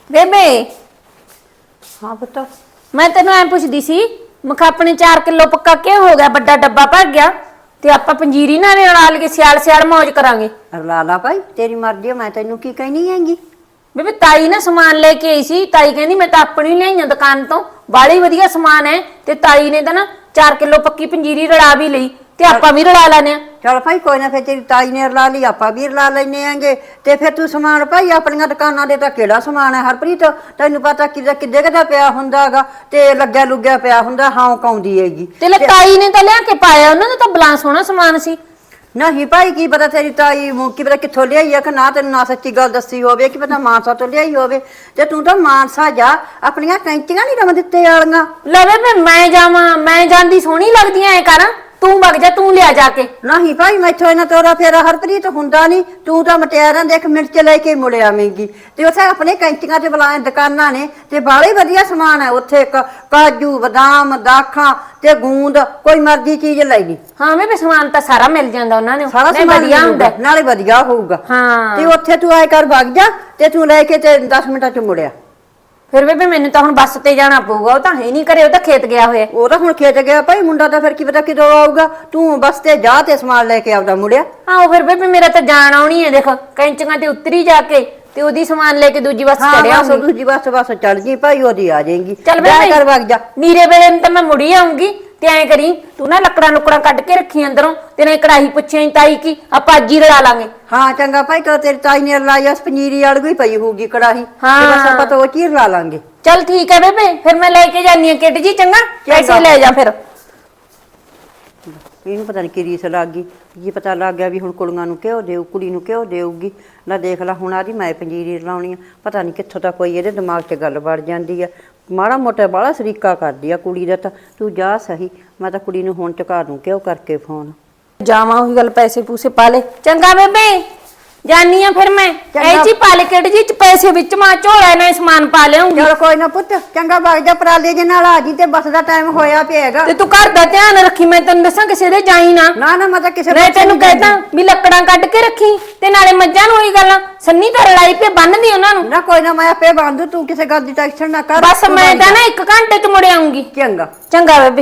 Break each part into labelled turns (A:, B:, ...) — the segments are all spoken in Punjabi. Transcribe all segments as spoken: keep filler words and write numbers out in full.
A: ਬੇਬੇ
B: ਹਾਂ ਪੁੱਤ।
A: ਮੈਂ ਤੈਨੂੰ ਐ ਪੁੱਛਦੀ ਸੀ ਮਖਾ ਆਪਣੇ ਚਾਰ ਕਿਲੋ ਪੱਕਾ ਕਿਉਂ ਹੋ ਗਿਆ ਵੱਡਾ ਡੱਬਾ ਭਰ ਗਿਆ ਤੇ ਆਪਾਂ ਪੰਜੀਰੀ ਨਾਲ ਰਲਾ ਲਈਏ ਸਿਆਲ ਸਿਆਲ ਮौज ਕਰਾਂਗੇ।
B: ਲਾ ਲਾ ਭਾਈ ਤੇਰੀ ਮਰਜ਼ੀ, ਮੈਂ ਤੈਨੂੰ ਕੀ ਕਹਿਣੀ ਹੈਗੀ।
A: ਬੇਬੇ ਤਾਈ ਨਾ ਸਮਾਨ ਲੈ ਕੇ ਆਈ ਸੀ, ਤਾਈ ਕਹਿੰਦੀ ਮੈਂ ਤਾਂ ਆਪਣੀ ਲਿਆਈਆਂ ਦੁਕਾਨ ਤੋਂ, ਬਾਲੀ ਵਧੀਆ ਸਮਾਨ ਹੈ ਤੇ ਤਾਈ ਨੇ ਤਾਂ ਨਾ ਚਾਰ ਕਿਲੋ ਪੱਕੀ ਪੰਜੀਰੀ ਰਲਾ ਵੀ ਲਈ ਤੇ ਆਪਾਂ ਵੀ ਰਲਾ ਲੈਨੇ ਆ।
B: ਚਲ ਭਾਈ ਕੋਈ ਨਾ, ਫਿਰ ਤੇਰੀ ਤਾਈ ਨੇ ਰਲਾ ਲਈ ਆਪਾਂ ਵੀ ਰਲਾ ਲੈਨੇ ਆਂਗੇ। ਤੇ ਫਿਰ ਤੂੰ ਸਮਾਨ ਭਾਈ ਆਪਣੀਆਂ ਦੁਕਾਨਾਂ ਦੇ ਤਾਂ ਕਿਹੜਾ ਸਮਾਨ ਹੈ ਹਰਪ੍ਰੀਤ, ਤੈਨੂੰ ਪਤਾ ਕਿਦਾ ਕਿੱਦੇ ਕਿਦਾ ਪਿਆ ਹੁੰਦਾਗਾ ਤੇ ਲੱਗਿਆ ਲੁੱਗਿਆ ਪਿਆ ਹੁੰਦਾ, ਹਾਂ ਕਾਉਂਦੀ ਹੈਗੀ।
A: ਤੇ ਲੈ ਤਾਈ ਨੇ ਤਾਂ ਲਿਆ ਕੇ ਪਾਇਆ, ਉਹਨਾਂ ਦਾ ਤਾਂ ਬਲਾ ਸੋਹਣਾ ਸਮਾਨ ਸੀ।
B: ਨਹੀਂ ਭਾਈ ਕੀ ਪਤਾ ਤੇਰੀ ਤਾਈ ਕੀ ਪਤਾ ਕਿੱਥੋਂ ਲਿਆਈ ਆ ਕਿ ਨਾ, ਤੈਨੂੰ ਨਾ ਸੱਚੀ ਗੱਲ ਦੱਸੀ ਹੋਵੇ, ਕੀ ਪਤਾ ਮਾਨਸਾ ਤੋਂ ਲਿਆਈ ਹੋਵੇ। ਤੇ ਤੂੰ ਤਾਂ ਮਾਨਸਾ ਜਾ, ਆਪਣੀਆਂ ਕੈਂਚੀਆਂ ਨਹੀਂ ਰਮ ਦਿੱਤੇ ਵਾਲੀਆਂ
A: ਲੈ ਬੇਬੇ ਮੈਂ ਜਾਵਾਂ, ਮੈਂ ਜਾਂਦੀ ਸੋਹਣੀ ਲੱਗਦੀ ਐ ਕਰਾਂ, ਤੂੰ ਵਗ ਜਾ, ਤੂੰ ਲਿਆ ਜਾ ਕੇ।
B: ਨਹੀਂ ਭਾਈ ਮੈਥੋਂ ਇਹਨਾਂ ਤੋਰਾ ਫੇਰਾ ਹਰਪ੍ਰੀਤ ਹੁੰਦਾ ਨਹੀਂ, ਤੂੰ ਤਾਂ ਮਟਿਆਰਾਂ ਦੇਖ ਮਿਰਚ ਲੈ ਕੇ ਮੁੜ ਆਵੇਂਗੀ। ਤੇ ਉੱਥੇ ਆਪਣੇ ਕੈਂਚੀਆਂ ਤੇ ਬੁਲਾਏ ਦੁਕਾਨਾਂ ਨੇ ਤੇ ਬਾਹਲੇ ਵਧੀਆ ਸਮਾਨ ਹੈ ਉੱਥੇ, ਕਾਜੂ ਬਦਾਮ ਦਾਖਾਂ ਤੇ ਗੂੰਦ, ਕੋਈ ਮਰਜ਼ੀ ਚੀਜ਼ ਲੈ ਲਈ।
A: ਹਾਂ ਬੇਬੇ ਸਮਾਨ ਤਾਂ ਸਾਰਾ ਮਿਲ ਜਾਂਦਾ ਉਹਨਾਂ ਨੇ,
B: ਸਾਰਾ ਸਮਾਨ
A: ਵਧੀਆ ਹੁੰਦਾ
B: ਨਾਲੇ ਵਧੀਆ ਹੋਊਗਾ।
A: ਹਾਂ
B: ਤੇ ਉੱਥੇ ਤੂੰ ਆਏ ਕਰ ਵਗ ਜਾ ਤੇ ਤੂੰ ਲੈ ਕੇ ਤੇ ਦਸ ਮਿੰਟਾਂ ਚ ਮੁੜਿਆ।
A: ਫਿਰ ਬੇਬੇ ਮੈਨੂੰ ਤਾਂ ਹੁਣ ਬੱਸ ਤੇ ਜਾਣਾ ਪਊਗਾ, ਉਹ ਤਾਂ ਹੈ ਨਹੀਂ ਘਰੇ, ਉਹ ਤਾਂ ਖੇਤ ਗਿਆ ਹੋਇਆ।
B: ਉਹ ਤਾਂ ਹੁਣ ਖੇਤ ਗਿਆ ਭਾਈ, ਮੁੰਡਾ ਤਾਂ ਫਿਰ ਕੀ ਪਤਾ ਕਿਦੋਂ ਆਊਗਾ। ਤੂੰ ਬੱਸ ਤੇ ਜਾ ਤੇ ਸਮਾਨ ਲੈ ਕੇ ਆਉਦਾ ਮੁੜਿਆ।
A: ਹਾਂ ਉਹ ਫਿਰ ਬੇਬੇ ਮੇਰਾ ਤਾਂ ਜਾਣ ਆਉਣੀ ਹੈ, ਦੇਖ ਕੈਂਚੀਆਂ ਤੇ ਉਤਰੀ ਜਾ ਕੇ ਤੇ ਉਹਦੀ ਸਮਾਨ ਲੈ ਕੇ ਦੂਜੀ ਬੱਸ ਚੜਿਆ
B: ਹਾਂ ਦੂਜੀ ਬੱਸ ਬੱਸ ਚੜ ਜੀ ਭਾਈ, ਉਹਦੀ ਆ ਜਾਏਗੀ।
A: ਚੱਲ
B: ਜਾ
A: ਬੇਬੇ
B: ਕਰ ਵਗ ਜਾ।
A: ਨੀਰੇ ਵੇਲੇ ਨੂੰ ਤਾਂ ਮੈਂ ਮੁੜੀ ਆਉਂਗੀ ਤੇ ਐਂ ਕਰੀ ਤੂੰ ਨਾ ਲੱਕੜਾਂ ਲੁਕੜਾਂ ਕੱਢ ਕੇ ਰੱਖੀ ਅੰਦਰੋਂ, ਤੇ ਨਾ ਕੜਾਹੀ ਪੁੱਛੇ ਤਾਈ ਕੀ ਆਪਾਂ ਅੱਜ ਹੀ ਰਲਾ ਲਾਂਗੇ।
B: ਹਾਂ ਚੰਗਾ ਭਾਈ, ਤਾਂ ਤੇਰੀ ਤਾਈ ਨੇ ਰਲਾਈ ਉਸ ਪਨੀਰੀ ਵਾਲੀ ਵੀ ਪਈ ਹੋਊਗੀ ਕੜਾਹੀ,
A: ਹਾਂ।
B: ਬਸ ਆਪਾਂ ਤਾਂ ਉਹ ਚ ਹੀ ਰਲਾ ਲਾਂਗੇ।
A: ਚੱਲ ਠੀਕ ਹੈ ਬੇਬੇ, ਫਿਰ ਮੈਂ ਲੈ ਕੇ ਜਾਨੀ ਆ ਕਿੱਟ ਜੀ, ਚੰਗਾ ਪੈਸੇ ਲੈ ਜਾ ਫਿਰ।
B: ਇਹਨੂੰ ਪਤਾ ਨਹੀਂ ਕੀ ਰੀਸ ਲੱਗ ਗਈ, ਕੀ ਪਤਾ ਲੱਗ ਗਿਆ ਵੀ ਹੁਣ ਕੁੜੀਆਂ ਨੂੰ ਕਿਉਂ ਦੇਊ, ਕੁੜੀ ਨੂੰ ਕਿਉਂ ਦੇਊਗੀ। ਨਾ ਦੇਖ ਲਾ ਹੁਣ ਆਦੀ ਮੈਂ ਪੰਜੀਰੀ ਰਲਾਉਣੀ ਆ, ਪਤਾ ਨਹੀਂ ਕਿੱਥੋਂ ਤਾਂ ਕੋਈ ਇਹਦੇ ਦਿਮਾਗ 'ਚ ਗੱਲ ਵੜ ਜਾਂਦੀ ਆ। ਮਾੜਾ ਮੋਟਾ ਬਾਹਲਾ ਸਰੀਕਾ ਕਰਦੀ ਆ ਕੁੜੀ ਦਾ, ਤਾਂ ਤੂੰ ਜਾ ਸਹੀ, ਮੈਂ ਤਾਂ ਕੁੜੀ ਨੂੰ ਹੁਣ ਚੁਕਾ ਦੂੰ ਕਿਉਂ ਕਰਕੇ ਫੋਨ।
A: ਜਾਵਾਂ ਉਹੀ ਗੱਲ, ਪੈਸੇ ਪੂਸੇ ਪਾ ਲੈ। ਚੰਗਾ ਬੇਬੇ ਜਾਨੀ ਆ ਫਿਰ ਮੈਂ, ਐ ਜੀ ਪਾ ਲੈ ਕਿੱਟ ਜੀ ਚ ਪੈਸੇ ਵਿੱਚ ਮਾਂ ਝੋਲਾ ਨਾਲ ਸਮਾਨ ਪਾ ਲਿਆਉਂਗੀ।
B: ਚਲ ਕੋਈ ਨਾ ਪੁੱਤ, ਚੰਗਾ ਵਗ ਜਾ, ਪਰਾਲੇ ਜੇ ਨਾਲ ਆ ਜੀ ਤੇ ਬੱਸ ਦਾ ਟਾਈਮ ਹੋਇਆ ਪਿਆਗਾ।
A: ਤੇ ਤੂੰ ਘਰ ਦਾ ਧਿਆਨ ਰੱਖੀ, ਮੈਂ ਤੈਨੂੰ ਦੱਸਾਂ ਕਿਸੇ ਦੇ ਜਾਈ ਨਾ।
B: ਨਾ ਨਾ ਮੈਂ ਤਾਂ ਕਿਸੇ
A: ਮੈਂ ਤੈਨੂੰ ਕਹਿਦਾ ਵੀ ਲੱਕੜਾਂ ਕੱਢ ਕੇ ਰੱਖੀ, ਤੇ ਨਾਲੇ ਮੱਝਾਂ ਨੂੰ ਉਹੀ ਗੱਲਾਂ ਸੰਨੀ ਤਾਂ ਰਲਾਈ ਪੇ ਬੰਨਦੀ ਉਹਨਾਂ ਨੂੰ।
B: ਨਾ ਕੋਈ ਨਾ, ਮੈਂ ਆਪੇ ਬੰਦ, ਤੂੰ ਕਿਸੇ ਗੱਲ ਦੀ ਟੈਨਸ਼ਨ ਨਾ ਕਰ।
A: ਬਸ ਮੈਂ ਤਾਂ ਨਾ ਇੱਕ ਘੰਟੇ ਚ ਮੁੜ ਆਉਂਗੀ।
B: ਚੰਗਾ
A: ਚੰਗਾ ਬੇਬੇ।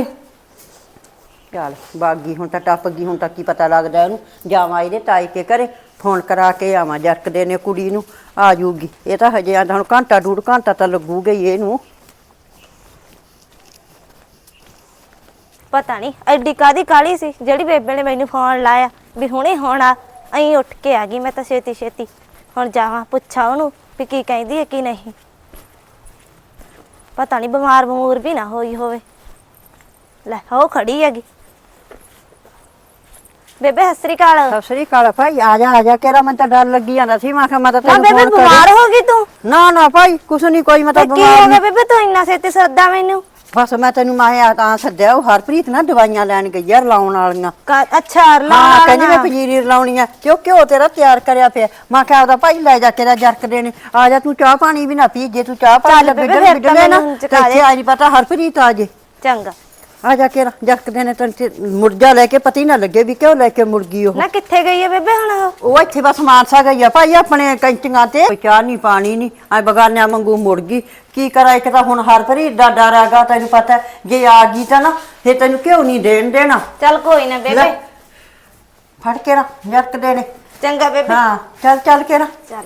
B: ਚੱਲ ਬਾਗੀ ਹੁਣ ਤਾਂ ਟੱਪ ਗਈ, ਹੁਣ ਤਾਂ ਕੀ ਪਤਾ ਲੱਗਦਾ ਉਹਨੂੰ। ਜਾਵਾਂ ਇਹਦੇ ਤਾਈ ਕੇ ਘਰੇ ਫੋਨ ਕਰਾ ਕੇ ਆਵਾਂ, ਜਰਕਦੇ ਨੇ ਕੁੜੀ ਨੂੰ ਆ ਜੂਗੀ। ਇਹ ਤਾਂ ਹਜੇ ਆਂਦਾ ਹੁਣ ਘੰਟਾ ਡੂਢ ਘੰਟਾ ਤਾਂ ਲੱਗੂਗਾ ਹੀ ਇਹਨੂੰ।
C: ਪਤਾ ਨਹੀਂ ਐਡੀ ਕਾਦੀ ਕਾਲੀ ਸੀ ਜਿਹੜੀ ਬੇਬੇ ਨੇ ਮੈਨੂੰ ਫੋਨ ਲਾਇਆ ਵੀ ਹੁਣੇ ਹੋਣਾ, ਅਹੀਂ ਉੱਠ ਕੇ ਆ ਗਈ ਮੈਂ ਤਾਂ ਛੇਤੀ ਛੇਤੀ। ਹੁਣ ਜਾਵਾਂ ਪੁੱਛਾਂ ਉਹਨੂੰ ਵੀ ਕੀ ਕਹਿੰਦੀ ਹੈ ਕੀ ਨਹੀਂ, ਪਤਾ ਨਹੀਂ ਬਿਮਾਰ ਬਮੂਰ ਵੀ ਨਾ ਹੋਈ ਹੋਵੇ। ਲੈ ਉਹ ਖੜੀ ਹੈਗੀ। ਬੇਬੇ ਸਤਿ ਸ੍ਰੀ ਅਕਾਲ।
B: ਸਤਿ ਸ੍ਰੀ ਅਕਾਲ ਭਾਈ, ਆ ਜਾ ਆ ਜਾ, ਕਿਹੜਾ ਮੈਨੂੰ ਤਾਂ ਡਰ ਲੱਗੀ ਜਾਂਦਾ ਸੀ, ਮੈਂ ਕਿਹਾ ਮੈਂ ਤਾਂ
C: ਨਾ
B: ਤੈਨੂੰ
C: ਬੇਬੇ
B: ਫੋਨ
C: ਬਿਮਾਰ ਹੋ ਗਈ ਤੂੰ?
B: ਨਾ ਨਾ ਭਾਈ ਕੁਛ ਨਹੀਂ, ਕੋਈ ਮੈਂ ਤਾਂ
C: ਕੀ
B: ਬਿਮਾਰ
C: ਹੋ ਗਿਆ
B: ਨਹੀਂ।
C: ਬੇਬੇ ਤੂੰ ਇੰਨਾ ਛੇਤੀ ਸੱਦਾ ਮੈਨੂੰ?
B: ਬਸ ਮੈਂ ਤੈਨੂੰ ਮੈਂ ਤਾਂ ਸੱਦਿਆ, ਉਹ ਹਰਪ੍ਰੀਤ ਨਾ ਦਵਾਈਆਂ ਲੈਣ ਗਈ ਆ ਰਲਾਉਣ ਵਾਲੀਆਂ।
C: ਅੱਛਾ
B: ਹਾਂ ਕਹਿੰਦੀ ਮੈਂ ਪੰਜੀਰੀ ਰਲਾਉਣੀ ਆ, ਤੇ ਉਹ ਘਿਓ ਤੇਰਾ ਤਿਆਰ ਕਰਿਆ ਪਿਆ। ਮੈਂ ਕਿਹਾ ਉਹਦਾ ਭਾਈ ਲੈ ਜਾ, ਤੇਰਾ ਜਰਕਦੇ ਨੇ। ਆ ਜਾ ਤੂੰ ਚਾਹ ਪਾਣੀ ਵੀ ਨਾ ਪੀ, ਜੇ ਤੂੰ ਚਾਹ ਪਾਣੀ ਬਿੱਡਲ ਬਿੱਡਲੇ ਨਾ ਤੇ ਇੱਥੇ ਆ ਨਹੀਂ ਪਤਾ ਹਰਪ੍ਰੀਤ ਆ ਜੇ।
C: ਚੰਗਾ
B: ਆ ਜਾ ਕੇ ਜਰਕਦੇ ਨੇ ਤੈਨੂੰ ਮੁਰਜਾ ਲੈ ਕੇ ਪਤੀ ਨਾ ਲੱਗੇ ਵੀ ਕਿਉਂ ਲੈ ਕੇ ਮੁੜ ਗਈ ਉਹ।
C: ਨਾ ਕਿੱਥੇ ਗਈ ਹੈ ਬੇਬੇ ਹੁਣ ਉਹ?
B: ਉਹ ਇੱਥੇ ਬਸ ਮਾਨਸਾ ਗਈ ਆ ਭਾਈ, ਆਪਣੇ ਕੈਂਚੀਆਂ ਤੇ। ਕੋਈ ਚਾਹ ਨਹੀਂ ਪਾਣੀ ਨਹੀਂ, ਐ ਬਗਾਨਿਆਂ ਵਾਂਗੂ ਮੁੜ ਗਈ। ਕੀ ਕਰਾਂ, ਇੱਕ ਤਾਂ ਹੁਣ ਹਰਪ੍ਰੀਤ ਦਾ ਡਰ ਹੈਗਾ, ਤੈਨੂੰ ਪਤਾ ਜੇ ਆ ਗਈ ਤਾਂ ਨਾ ਫਿਰ ਤੈਨੂੰ ਕਿਉਂ ਨਹੀਂ ਦੇਣ ਦੇਣਾ।
C: ਚੱਲ ਕੋਈ ਨਾ ਬੇਬੇ,
B: ਫੜ ਕੇ ਨਾ ਜਰਕਦੇ ਨੇ।
C: ਚੰਗਾ ਬੇਬੇ।
B: ਹਾਂ ਚੱਲ ਚੱਲ ਕੇ ਨਾ
C: ਚੱਲ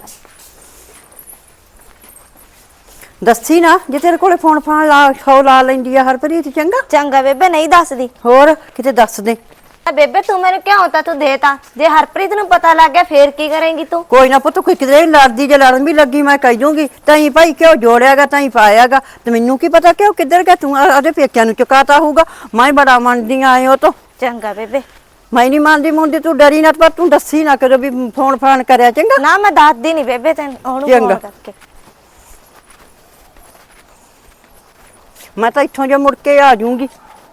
B: ਦੱਸੀ ਨਾ, ਜੇ ਤੇਰੇ ਕੋਲੇ ਫੋਨ ਫਾਨ ਲਾ ਸੌ ਲਾ ਲੈਂਦੀ ਆ ਹਰਪ੍ਰੀਤ। ਚੰਗਾ
C: ਚੰਗਾ ਬੇਬੇ, ਨਹੀਂ ਦੱਸਦੀ।
B: ਹੋਰ ਕਿਤੇ ਦੱਸ ਦੇ।
C: ਬੇਬੇ ਤੂੰ ਮੈਨੂੰ ਕਿਉਂ ਤਾਂ ਤੂੰ ਦੇਤਾ, ਜੇ ਹਰਪ੍ਰੀਤ ਨੂੰ ਪਤਾ ਲੱਗ ਗਿਆ ਫੇਰ ਕੀ ਕਰੇਂਗੀ ਤੂੰ?
B: ਕੋਈ ਨਾ ਪੁੱਤ, ਕੋਈ ਕਿਤੇ ਲੜਦੀ ਜੇ ਲੜਨ ਵੀ ਲੱਗੀ ਮੈਂ ਕਹਿ ਦੂੰਗੀ ਤਾਈ ਭਾਈ ਕਿਉਂ ਜੋੜਿਆਗਾ, ਤਾਈ ਪਾਇਆਗਾ। ਤੇ ਮੈਨੂੰ ਕੀ ਪਤਾ ਕਿਉਂ ਕਿੱਧਰ ਗਿਆ, ਤੂੰ ਉਹਦੇ ਪੇਕਿਆਂ ਨੂੰ ਚੁਕਾਤਾ ਹੋਊਗਾ। ਮੈਂ ਬੜਾ ਮੰਨਦੀ ਆਏ ਉਹ ਤੋਂ।
C: ਚੰਗਾ ਬੇਬੇ।
B: ਮੈਂ ਨਹੀਂ ਮੰਨਦੀ ਮੁੰਡੀ, ਤੂੰ ਡਰੀ ਨਾ, ਪਰ ਤੂੰ ਦੱਸੀ ਨਾ ਕਦੋਂ ਵੀ ਫੋਨ ਫਾਨ ਕਰਿਆ। ਚੰਗਾ
C: ਨਾ ਮੈਂ ਦੱਸਦੀ ਨਹੀਂ ਬੇਬੇ ਤੈਨੂੰ, ਉਹਨੂੰ ਫੋਨ ਕਰਕੇ।
B: ਮੈਂ ਤਾਂ ਇੱਥੋਂ ਜੇ ਮੁੜ ਕੇ ਆ ਜਾਊਂਗੀ।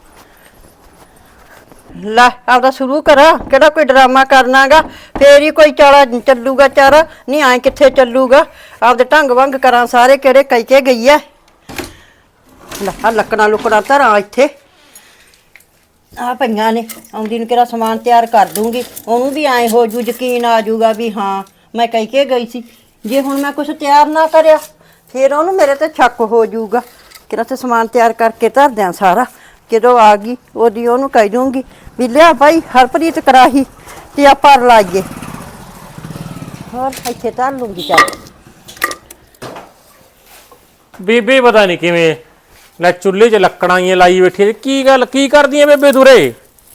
B: ਲੈ ਆਪਦਾ ਸ਼ੁਰੂ ਕਰਾ, ਕਿਹੜਾ ਕੋਈ ਡਰਾਮਾ ਕਰਨਾਗਾ, ਫੇਰ ਹੀ ਕੋਈ ਚਾਲਾ ਚੱਲੂਗਾ ਚਾਰਾ, ਨਹੀਂ ਆਏ ਕਿੱਥੇ ਚੱਲੂਗਾ। ਆਪਦੇ ਢੰਗ ਵੰਗ ਕਰਾਂ ਸਾਰੇ, ਕਿਹੜੇ ਕਹਿ ਕੇ ਗਈ ਐ। ਲੈ ਆ ਲੱਕੜਾਂ ਲੁਕੜਾਂ ਧਰਾਂ ਇੱਥੇ ਆ ਪਈਆਂ ਨੇ, ਆਉਂਦੀ ਨੂੰ ਕਿਹੜਾ ਸਮਾਨ ਤਿਆਰ ਕਰ ਦੂੰਗੀ। ਉਹਨੂੰ ਵੀ ਐਂ ਹੋ ਜੂ, ਯਕੀਨ ਆ ਜੂਗਾ ਵੀ ਹਾਂ ਮੈਂ ਕਹਿ ਕੇ ਗਈ ਸੀ। ਜੇ ਹੁਣ ਮੈਂ ਕੁਛ ਤਿਆਰ ਨਾ ਕਰਿਆ ਫਿਰ ਉਹਨੂੰ ਮੇਰੇ ਤੇ ਸ਼ੱਕ ਹੋ ਜਾਊਗਾ। ਕਿਹੜਾ ਤੇ ਸਮਾਨ ਤਿਆਰ ਕਰਕੇ ਧਰ ਦਿਆਂ ਸਾਰਾ। ਜਦੋਂ ਆ ਗਈ ਉਹਦੀ ਉਹਨੂੰ ਕਹਿ ਦੂੰਗੀ ਵੀ ਲਿਆ ਭਾਈ ਹਰਪ੍ਰੀਤ ਕਰਾਹੀ ਤੇ ਆਪਾਂ ਰਲਾਈਏ। ਹੋਰ ਇੱਥੇ ਧਰ ਲੂੰਗੀ ਚੱਲ।
D: ਬੇਬੇ ਪਤਾ ਨਹੀਂ ਕਿਵੇਂ ਲੈ ਚੁੱਲ੍ਹੇ 'ਚ ਲੱਕੜਾਂ ਹੀ ਲਾਈ ਬੈਠੀ ਹੈ। ਕੀ ਗੱਲ ਕੀ ਕਰਦੀ ਐ ਬੇਬੇ ਤੁਰੇ?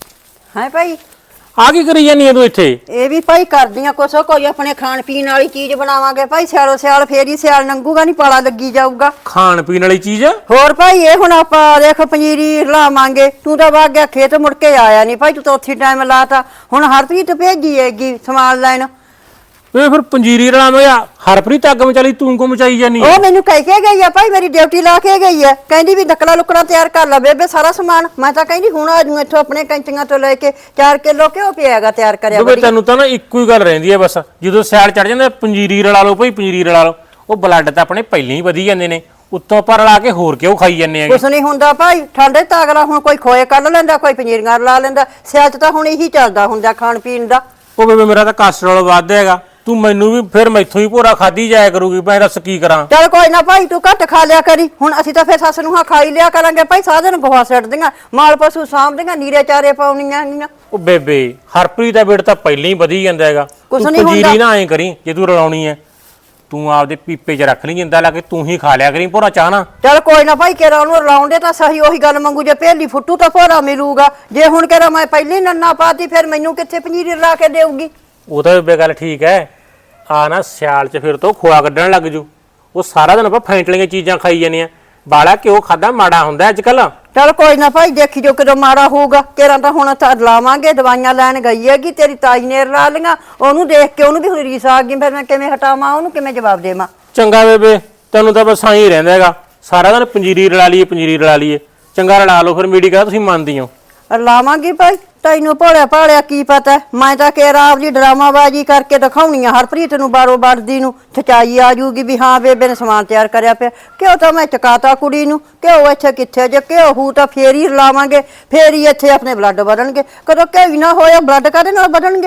B: ਹੈ ਭਾਈ
D: ਆ ਕੀ ਕਰੀ ਜਾਨੀ ਐ ਤੂੰ ਇੱਥੇ?
B: ਇਹ ਵੀ ਭਾਈ ਕਰਦੀਆਂ ਕੁਛ ਕੋਈ ਆਪਣੇ ਖਾਣ ਪੀਣ ਵਾਲੀ ਚੀਜ਼ ਬਣਾਵਾਂਗੇ ਭਾਈ। ਸਿਆਲੋ ਸਿਆਲ ਫੇਰ ਹੀ ਸਿਆਲ ਲੰਘੂਗਾ, ਨਹੀਂ ਪਾਲਾ ਲੱਗੀ ਜਾਊਗਾ।
D: ਖਾਣ ਪੀਣ ਵਾਲੀ ਚੀਜ਼?
B: ਹੋਰ ਭਾਈ ਇਹ ਹੁਣ ਆਪਾਂ ਦੇਖ ਪੰਜੀਰੀ ਲਾਵਾਂਗੇ। ਤੂੰ ਤਾਂ ਵਗ ਗਿਆ ਖੇਤ, ਮੁੜ ਕੇ ਆਇਆ ਨਹੀਂ ਭਾਈ। ਤੂੰ ਤਾਂ ਉੱਥੇ ਟਾਈਮ ਲਾਤਾ। ਹੁਣ ਹਰਪ੍ਰੀਤ ਭੇਜੀ ਹੈਗੀ ਸਮਾਨ ਲੈਣ।
D: ਵੇ ਫਿਰ ਪੰਜੀਰੀ ਰਲਾਵਾਂਗੇ। ਹਰਪ੍ਰੀਤ ਅੱਗ ਮਚਾਲੀ ਤੂੰ ਕੋ ਮਚਾਈ ਜਾਨੀ?
B: ਉਹ ਮੈਨੂੰ ਕਹਿ ਕੇ ਗਈ ਆ ਭਾਈ, ਮੇਰੀ ਡਿਊਟੀ ਲਾ ਕੇ ਗਈ ਆ। ਕਹਿੰਦੀ ਵੀ ਨਕਲਾ ਲੁਕੜਾ ਤਿਆਰ ਕਰ ਲੈ ਬੇਬੇ ਸਾਰਾ ਸਮਾਨ। ਮੈਂ ਤਾਂ ਕਹਿੰਦੀ ਹੁਣ ਆ ਜੂ ਇੱਥੋਂ ਆਪਣੇ ਕੈਂਚੀਆਂ ਤੋਂ ਲੈ ਕੇ ਚਾਰ ਕਿਲੋ ਘਿਓ ਪਿਆਗਾ ਤਿਆਰ ਕਰਿਆ।
D: ਬੇਬੇ ਤੈਨੂੰ ਤਾਂ ਨਾ ਇੱਕੋ ਹੀ ਗੱਲ ਰਹਿੰਦੀ ਹੈ ਬਸ। ਜਦੋਂ ਸਿਆਲ ਚੜ ਜਾਂਦਾ ਪੰਜੀਰੀ ਰਲਾ ਲਓ ਭਾਈ, ਪੰਜੀਰੀ ਰਲਾ ਲਓ। ਉਹ ਬਲੱਡ ਤਾਂ ਆਪਣੇ ਪਹਿਲਾਂ ਹੀ ਵਧੀ ਜਾਂਦੇ ਨੇ, ਉੱਤੋਂ ਪਰ ਰਲਾ ਕੇ ਹੋਰ ਕਿਉਂ ਖਾਈ ਜਾਂਦੇ ਹੈਗੇ?
B: ਕੁਛ ਨਹੀਂ ਹੁੰਦਾ ਭਾਈ, ਠੰਡੇ ਤਾਂ ਅਗਲਾ ਹੁਣ ਕੋਈ ਖੋਏ ਕੱਢ ਲੈਂਦਾ, ਕੋਈ ਪੰਜੀਰੀਆਂ ਰਲਾ ਲੈਂਦਾ। ਸਿਆਲ ਚ ਤਾਂ ਹੁਣ ਇਹੀ ਚੱਲਦਾ ਹੁੰਦਾ ਖਾਣ ਪੀਣ ਦਾ।
D: ਉਹ ਬੇਬੇ ਮੇਰਾ ਤਾਂ ਕੋਲੇਸਟ੍ਰੋਲ ਵੱਧ ਹੈਗਾ। ਤੂੰ ਮੈਨੂੰ ਵੀ ਫਿਰ ਮੈਥੋਂ ਹੀ ਭੋਰਾ ਖਾਦੀ ਜਾਇਆ ਕਰੂਗੀ। ਮੈਂ ਦੱਸ ਕੀ ਕਰਾਂ?
B: ਚੱਲ ਕੋਈ ਨਾ ਭਾਈ, ਤੂੰ ਘੱਟ ਖਾ ਲਿਆ ਕਰੀ। ਹੁਣ ਅਸੀਂ ਤਾਂ ਫਿਰ ਸੱਸ ਨੂੰ ਹਾਂ ਖਾਈ ਲਿਆ ਕਰਾਂਗੇ ਭਾਈ। ਸਾਰਾ ਦਿਨ ਗੋਹਾ ਸਿੱਟਦੀਆਂ, ਮਾਲ ਪਸ਼ੂ ਸਾਂਭਦੀਆਂ, ਨੀਰੇ ਚਾਰੇ ਪਾਉਣੀਆਂ ਗੀਆਂ।
D: ਉਹ ਬੇਬੇ ਹਰਪ੍ਰੀਤ ਦਾ ਵੇਟ ਤਾਂ ਪਹਿਲਾਂ ਹੀ ਵਧੀ ਜਾਂਦਾ ਹੈਗਾ।
B: ਕੁਛ
D: ਤੂੰ
B: ਨਹੀਂ
D: ਪੰਜੀਰੀ
B: ਹੁੰਦਾ।
D: ਨਾ ਐਂ ਕਰੀ, ਜੇ ਤੂੰ ਰਲਾਉਣੀ ਹੈ ਤੂੰ ਆਪਦੇ ਪੀਪੇ 'ਚ ਰੱਖ ਲਈ, ਜਿੰਦਾ ਲਾ ਕੇ ਤੂੰ ਹੀ ਖਾ ਲਿਆ ਕਰੀ ਭੋਰਾ ਚਾਹ ਨਾ।
B: ਚੱਲ ਕੋਈ ਨਾ ਭਾਈ, ਕਿਹੜਾ ਉਹਨੂੰ ਰਲਾਉਂਦੇ ਤਾਂ ਸਹੀ। ਉਹੀ ਗੱਲ ਮੰਗੂ, ਜੇ ਪਹਿਲੀ ਫੁੱਟੂ ਤਾਂ ਭੋਰਾ ਮਿਲੂਗਾ। ਜੇ ਹੁਣ ਕਿਹੜਾ ਮੈਂ ਪਹਿਲੀ ਨੰਨਾ ਪਾਤੀ, ਫਿਰ ਮੈਨੂੰ ਕਿੱਥੇ ਪੰਜੀਰੀ ਰਲਾ ਕੇ ਦੇਊਗੀ?
D: ਉਹ ਤਾਂ ਬੇਬੇ ਗੱਲ ਠੀਕ ਹੈ। ਆ ਨਾ ਸਿਆਲ 'ਚ ਫਿਰ ਤੋਂ ਖੋਆ ਕੱਢਣ ਲੱਗ ਜੂ। ਉਹ ਸਾਰਾ ਦਿਨ ਆਪਾਂ ਫੈਂਟਲੀਆਂ ਚੀਜ਼ਾਂ ਖਾਈ ਜਾਂਦੇ ਆ। ਬਾਲਾ ਘਿਓ ਖਾਦਾ ਮਾੜਾ ਹੁੰਦਾ ਅੱਜ ਕੱਲ।
B: ਚੱਲ ਕੋਈ ਨਾ ਭਾਈ, ਦੇਖੀ ਜੋ ਕਿਦੋਂ ਮਾੜਾ ਹੋਊਗਾ। ਕਿਹੜਾ ਤਾਂ ਹੁਣ ਤਾਂ ਲਾਵਾਂਗੇ। ਦਵਾਈਆਂ ਲੈਣ ਗਈ ਹੈਗੀ ਤੇਰੀ ਤਾਈ ਨੇ ਰਲਾ ਲੀਆਂ। ਉਹਨੂੰ ਦੇਖ ਕੇ ਉਹਨੂੰ ਵੀ ਹੁਣ ਰੀਸ ਆ ਗਈ। ਫਿਰ ਮੈਂ ਕਿਵੇਂ ਹਟਾਵਾਂ ਉਹਨੂੰ, ਕਿਵੇਂ ਜਵਾਬ ਦੇਵਾਂ?
D: ਚੰਗਾ ਬੇਬੇ ਤੈਨੂੰ ਤਾਂ ਬਸ ਆਈ ਰਹਿੰਦਾ ਹੈਗਾ ਸਾਰਾ ਦਿਨ ਪੰਜੀਰੀ ਰਲਾ ਲਈਏ ਪੰਜੀਰੀ ਰਲਾ ਲਈਏ। ਚੰਗਾ ਰਲਾ ਲਓ ਫਿਰ। ਮੀਡੀ ਕਾ ਤੁਸੀਂ ਮੰਨਦੀ ਹੋ?
B: ਲਾਵਾਂਗੀ ਭਾਈ, ਤੈਨੂੰ ਭੋਲਿਆ ਭਾਲਿਆ ਕੀ ਪਤਾ। ਮੈਂ ਤਾਂ ਕਿਹਾ ਆਪਦੀ ਡਰਾਮਾਬਾਜੀ ਕਰਕੇ ਦਿਖਾਉਣੀ ਆ ਹਰਪ੍ਰੀਤ ਨੂੰ, ਬਾਰੋ ਵੜਦੀ ਨੂੰ ਥਚਾਈ ਆ ਜੂਗੀ ਵੀ ਹਾਂ ਬੇਬੇ ਨੇ ਸਮਾਨ ਤਿਆਰ ਕਰਿਆ ਪਿਆ। ਕਿਉਂ ਤਾਂ ਮੈਂ ਚਕਾਤਾ ਕੁੜੀ ਨੂੰ। ਘਿਓ ਇੱਥੇ ਕਿੱਥੇ? ਜੇ ਘਿਓ ਹੂ ਤਾਂ ਫੇਰ ਹੀ ਲਾਵਾਂਗੇ, ਫੇਰ ਹੀ ਇੱਥੇ ਆਪਣੇ ਬਲੱਡ ਵਧਣਗੇ। ਕਦੋਂ ਘਿਓ ਹੀ ਨਾ ਹੋਇਆ ਬਲੱਡ ਕਾਹਦੇ ਨਾਲ ਵਧਣਗੇ?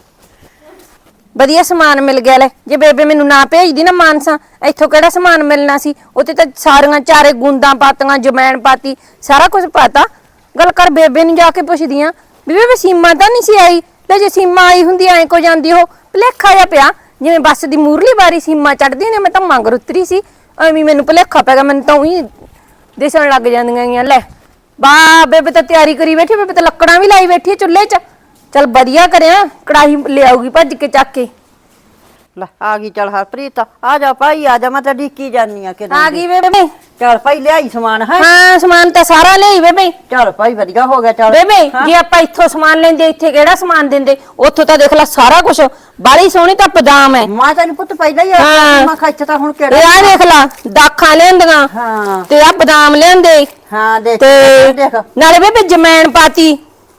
A: ਵਧੀਆ ਸਮਾਨ ਮਿਲ ਗਿਆ। ਲੈ ਜੇ ਬੇਬੇ ਮੈਨੂੰ ਨਾ ਭੇਜਦੀ ਨਾ ਮਾਨਸਾ, ਇੱਥੋਂ ਕਿਹੜਾ ਸਮਾਨ ਮਿਲਣਾ ਸੀ? ਉੱਥੇ ਤਾਂ ਸਾਰੀਆਂ ਚਾਰੇ ਗੁੰਦਾਂ ਪਾਤੀਆਂ, ਜਮੈਣ ਪਾਤੀ, ਸਾਰਾ ਕੁਝ ਪਾਤਾ। ਗੱਲ ਕਰ ਬੇਬੇ ਨੂੰ ਜਾ ਕੇ ਪੁੱਛਦੀ ਆ ਵੀ ਬੇਬੇ ਸੀਮਾ ਤਾਂ ਨਹੀਂ ਸੀ ਆਈ? ਲੈ ਜੇ ਸੀਮਾ ਆਈ ਹੁੰਦੀ ਐਂ ਕੋ ਜਾਂਦੀ ਉਹ। ਭੁਲੇਖਾ ਜਿਹਾ ਪਿਆ ਜਿਵੇਂ ਬੱਸ ਦੀ ਮੂਰਲੀ ਵਾਰੀ ਸੀਮਾ ਚੜਦੀ ਨੇ। ਮੈਂ ਤਾਂ ਮੰਗ ਉਤਰੀ ਸੀ, ਐਵੇਂ ਮੈਨੂੰ ਭੁਲੇਖਾ ਪੈ ਗਿਆ। ਮੈਨੂੰ ਤਾਂ ਉਹੀ ਦਿਸਣ ਲੱਗ ਜਾਂਦੀਆਂ ਗੀਆਂ। ਲੈ ਬਾ ਬੇਬੇ ਤਾਂ ਤਿਆਰੀ ਕਰੀ ਬੈਠੀ। ਬੇਬੇ ਤਾਂ ਲੱਕੜਾਂ ਵੀ ਲਾਈ ਬੈਠੀ ਚੁੱਲ੍ਹੇ 'ਚ। ਚੱਲ ਵਧੀਆ ਕਰਿਆ, ਕੜਾਹੀ ਲਿਆਉਗੀ ਭੱਜ ਕੇ ਚੱਕ ਕੇ।
B: ਲੈ ਆ ਗਈ। ਚੱਲ ਹਰਪ੍ਰੀਤ ਆ ਜਾ ਭਾਈ, ਆ ਜਾ। ਮੈਂ ਤਾਂ ਢੀਕੀ ਜਾਨੀ ਆ ਕਿਦੋਂ
A: ਆ ਗਈ ਬੇਬੇ।
B: ਚੱਲ ਭਾਈ ਲਿਆਈ ਸਮਾਨ ਹੈ।
A: ਹਾਂ ਸਮਾਨ ਤਾਂ ਸਾਰਾ ਲਿਆਈ ਬੇਬੇ।
B: ਚੱਲ ਭਾਈ ਵਧੀਆ ਹੋ ਗਿਆ। ਚੱਲ
A: ਬੇਬੇ ਜੇ ਆਪਾਂ ਇੱਥੋਂ ਸਮਾਨ ਲੈਂਦੇ ਇੱਥੇ ਕਿਹੜਾ ਸਮਾਨ ਦਿੰਦੇ? ਉੱਥੋਂ ਤਾਂ ਦੇਖ ਲੈ ਸਾਰਾ ਕੁਝ। ਬਾਲੀ ਸੋਹਣੀ ਤਾਂ ਬਦਾਮ ਹੈ।
B: ਮੈਂ ਤੈਨੂੰ ਪੁੱਤ ਪਹਿਲਾਂ ਹੀ
A: ਹਾਂ।
B: ਮੈਂ ਖੱਚ ਤਾਂ ਹੁਣ
A: ਇਹ
B: ਕਿਹੜਾ
A: ਆ ਦੇਖ ਲੈ ਦਾਖਾਂ ਲਿਆਂਦੀਆਂ
B: ਹਾਂ
A: ਤੇ ਆ ਬਦਾਮ ਲਿਆਂਦੇ
B: ਹਾਂ ਦੇਖ
A: ਤੇ
B: ਦੇਖ
A: ਨਾਲੇ ਬੇਬੇ ਜਮੈਣ ਪਾਤੀ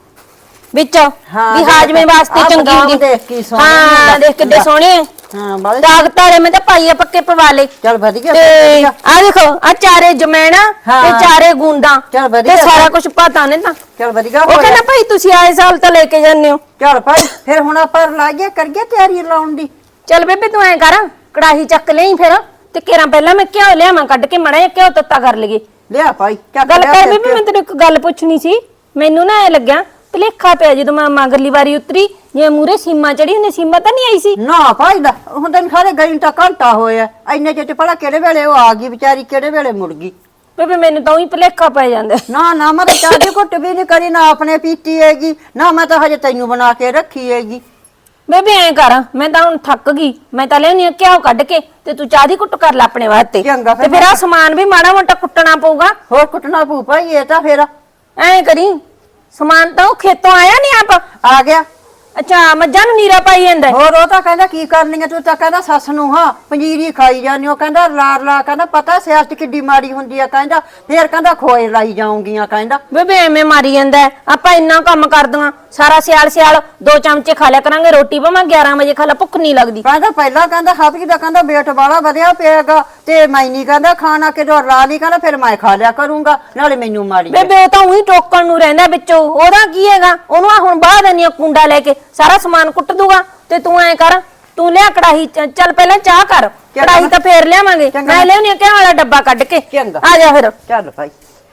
A: ਵਿੱਚ
B: ਹਾਂ,
A: ਵੀ
B: ਦੇਖ।
A: ਹਾਜਮੇ ਵਾਸਤੇ
B: ਆਹ
A: ਚੰਗੀ
B: ਬਦਾਮ
A: ਹੁੰਦੀ।
B: ਦੇਖ ਕੀ ਸੋਹਣੇ
A: ਹਾਂ
B: ਨੇ।
A: ਦੇਖ ਕਿੱਡੇ
B: ਲੈ।
A: ਸੋਹਣੇ ਆ।
B: ਹਾਂ ਬਾਲੇ
A: ਤਾਕਤ ਵਾਲੇ ਮੈਂ ਤਾਂ ਪਾਈਏ ਪੱਕੇ ਪਵਾ ਲੇ।
B: ਚੱਲ ਵਧੀਆ
A: ਤੇ
B: ਵਧੀਆ।
A: ਆ ਦੇਖੋ ਆ ਚਾਰੇ ਜਮੈਣਾ
B: ਹਾਂ।
A: ਤੇ ਚਾਰੇ ਗੁੰਦਾਂ
B: ਚੱਲ ਵਧੀਆ।
A: ਤੇ ਸਾਰਾ ਕੁਝ ਪਤਾ ਨੇ ਤਾਂ।
B: ਚੱਲ ਵਧੀਆ
A: ਉਹ
B: ਹੋ
A: ਕਹਿੰਦਾ
B: ਗਿਆ।
A: ਭਾਈ ਤੁਸੀਂ ਆਏ ਸਾਲ ਤਾਂ ਲੈ ਕੇ ਜਾਂਦੇ ਹੋ।
B: ਚੱਲ ਭਾਈ ਫਿਰ ਹੁਣ ਆਪਾਂ ਲਾਈਏ ਕਰੀਏ ਤਿਆਰੀ ਲਾਉਣ ਦੀ।
A: ਚੱਲ ਬੇਬੇ ਤੂੰ ਐ ਕਰ ਕੜਾਹੀ ਚੱਕ ਲਈ ਫਿਰ ਤੇ ਕੇਰਾਂ ਪਹਿਲਾਂ ਮੈਂ ਘਿਓ ਲਿਆਵਾਂ ਕੱਢ ਕੇ ਮੜਾ ਘਿਓ ਤੱਤਾ ਕਰ ਲਈਏ।
B: ਲਿਆ ਭਾਈ ਚੱਕ
A: ਗੱਲ
B: ਲਿਆ
A: ਕਰ
B: ਫਿਰ
A: ਬੇਬੇ ਮੈਂ ਤੈਨੂੰ ਇੱਕ ਗੱਲ ਪੁੱਛਣੀ ਸੀ। ਮੈਨੂੰ ਨਾ ਐ ਲੱਗਿਆ ਭੁਲੇਖਾ ਪਿਆ ਜਦੋਂ ਮੈਂ ਮਗਰਲੀ ਵਾਰੀ ਉਤਰੀ ਜੇ ਮੂਰੇ ਸੀਮਾ ਚੜੀ ਹੁੰਦੀ। ਸੀਮਾ ਤਾਂ ਨਹੀਂ ਆਈ ਸੀ?
B: ਨਾ ਭਾਈ ਦਾ ਹੁਣ ਤੈਨੂੰ ਸਾਰੇ ਗਈ ਤਾਂ ਘੰਟਾ ਹੋਇਆ। ਇੰਨੇ ਚਿਰ ਪੜਾ ਕਿਹੜੇ ਵੇਲੇ ਉਹ ਆ ਗਈ ਵਿਚਾਰੀ, ਕਿਹੜੇ ਵੇਲੇ ਮੁੜ ਗਈ।
A: ਬੇਬੇ ਮੈਨੂੰ ਤਾਂ ਉਹੀ ਭੁਲੇਖਾ ਪੈ ਜਾਂਦਾ।
B: ਨਾ ਨਾ ਮੈਂ ਤਾਂ ਚਾਹ ਦੀ ਘੁੱਟ ਵੀ ਨਹੀਂ ਕਰੀ, ਨਾ ਆਪਣੇ ਪੀਤੀ ਹੈਗੀ, ਨਾ ਮੈਂ ਤਾਂ ਹਜੇ ਤੈਨੂੰ ਬਣਾ ਕੇ ਰੱਖੀ ਹੈਗੀ।
A: ਬੇਬੇ ਐ ਕਰ ਮੈਂ ਤਾਂ ਹੁਣ ਥੱਕ ਗਈ। ਮੈਂ ਤਾਂ ਲੈਣੀ ਘਿਓ ਕੱਢ ਕੇ ਤੇ ਤੂੰ ਚਾਹ ਦੀ ਕੁੱਟ ਕਰ ਲੈ ਆਪਣੇ ਵਾਸਤੇ।
B: ਚੰਗਾ ਫਿਰ
A: ਤੇ ਫਿਰ ਆ ਸਮਾਨ ਵੀ ਮਾੜਾ ਮੋਟਾ ਕੁੱਟਣਾ ਪਊਗਾ।
B: ਹੋਰ ਕੁੱਟਣਾ ਪਊ ਭਾਈ ਇਹ ਤਾਂ ਫਿਰ
A: ਐ ਕਰੀ ਸਮਾਨ ਤਾਂ ਉਹ ਖੇਤੋਂ ਆਇਆ ਨਹੀਂ ਆਪ?
B: ਆ ਗਿਆ।
A: ਅੱਛਾ ਮੱਝਾਂ ਨੂੰ ਨੀਰਾ ਪਾਈ ਜਾਂਦਾ।
B: ਹੋਰ ਉਹ ਤਾਂ ਕਹਿੰਦਾ ਕੀ ਕਰਨੀ ਆ ਤੂੰ? ਤਾਂ ਕਹਿੰਦਾ ਸੱਸ ਨੂੰ ਹਾਂ ਪੰਜੀਰੀ ਖਾਈ ਜਾਂਦੀ। ਉਹ ਕਹਿੰਦਾ ਲਾਰ ਲਾ ਕਹਿੰਦਾ ਪਤਾ ਸਿਆਲ ਚ ਕਿੱਡੀ ਮਾੜੀ ਹੁੰਦੀ ਆ। ਕਹਿੰਦਾ ਫੇਰ ਕਹਿੰਦਾ ਖੋਏ ਲਾਈ ਜਾਉਂਗੀਆਂ। ਕਹਿੰਦਾ
A: ਬੇਬੇ ਐਵੇਂ ਮਾਰੀ ਜਾਂਦਾ ਹੈ। ਆਪਾਂ ਇੰਨਾ ਕੰਮ ਕਰਦੀਆਂ ਸਾਰਾ ਸਿਆਲ ਸਿਆਲ ਦੋ ਚਮਚੇ ਖਾ ਲਿਆ ਕਰਾਂਗੇ ਰੋਟੀ। ਭਾਵੇਂ ਗਿਆਰਾਂ ਵਜੇ ਖਾ ਲਾ, ਭੁੱਖ ਨਹੀਂ ਲੱਗਦੀ।
B: ਕਹਿੰਦਾ ਪਹਿਲਾਂ ਕਹਿੰਦਾ ਹਾਪੀ ਦਾ ਕਹਿੰਦਾ ਵੇਟ ਵਾਲਾ ਵਧਿਆ ਪਿਆਗਾ ਤੇ ਮੈਂ ਨਹੀਂ ਕਹਿੰਦਾ ਖਾਣਾ ਕਿਦੋਂ ਲਾ ਲਈ। ਕਹਿੰਦਾ ਫਿਰ ਮੈਂ ਖਾ ਲਿਆ ਕਰੂੰਗਾ, ਨਾਲੇ ਮੈਨੂੰ ਮਾੜੀ ਆ।
A: ਬੇਬੇ ਉਹ ਤਾਂ ਉਹੀ ਟੋਕਣ ਨੂੰ ਰਹਿੰਦਾ ਵਿੱਚੋਂ। ਉਹਦਾ ਕੀ ਹੈਗਾ? ਉਹਨੂੰ ਆ ਹੁਣ ਬਾਹਰ ਦੇਣੀ ਕੁੰਡਾ ਲੈ ਕੇ ਸਾਰਾ ਸਮਾਨ ਕੁੱਟ ਦੂਗਾ। ਤੇ ਤੂੰ ਐ ਕਰ ਤੂੰ ਲਿਆ ਕੜਾਹੀ ਚ- ਚੱਲ ਪਹਿਲਾਂ ਚਾਹ ਕਰ ਕੜਾਹੀ ਤਾਂ ਫੇਰ ਲਿਆਵਾਂਗੇ
B: ਚੰਗਾ।
A: ਮੈਂ ਲਿਆਉਣੀ ਆ ਘਿਓ ਵਾਲਾ ਡੱਬਾ ਕੱਢ ਕੇ
B: ਚੰਗਾ।
A: ਆ ਜਾ ਫਿਰ
B: ਚੱਲ ਭਾਈ।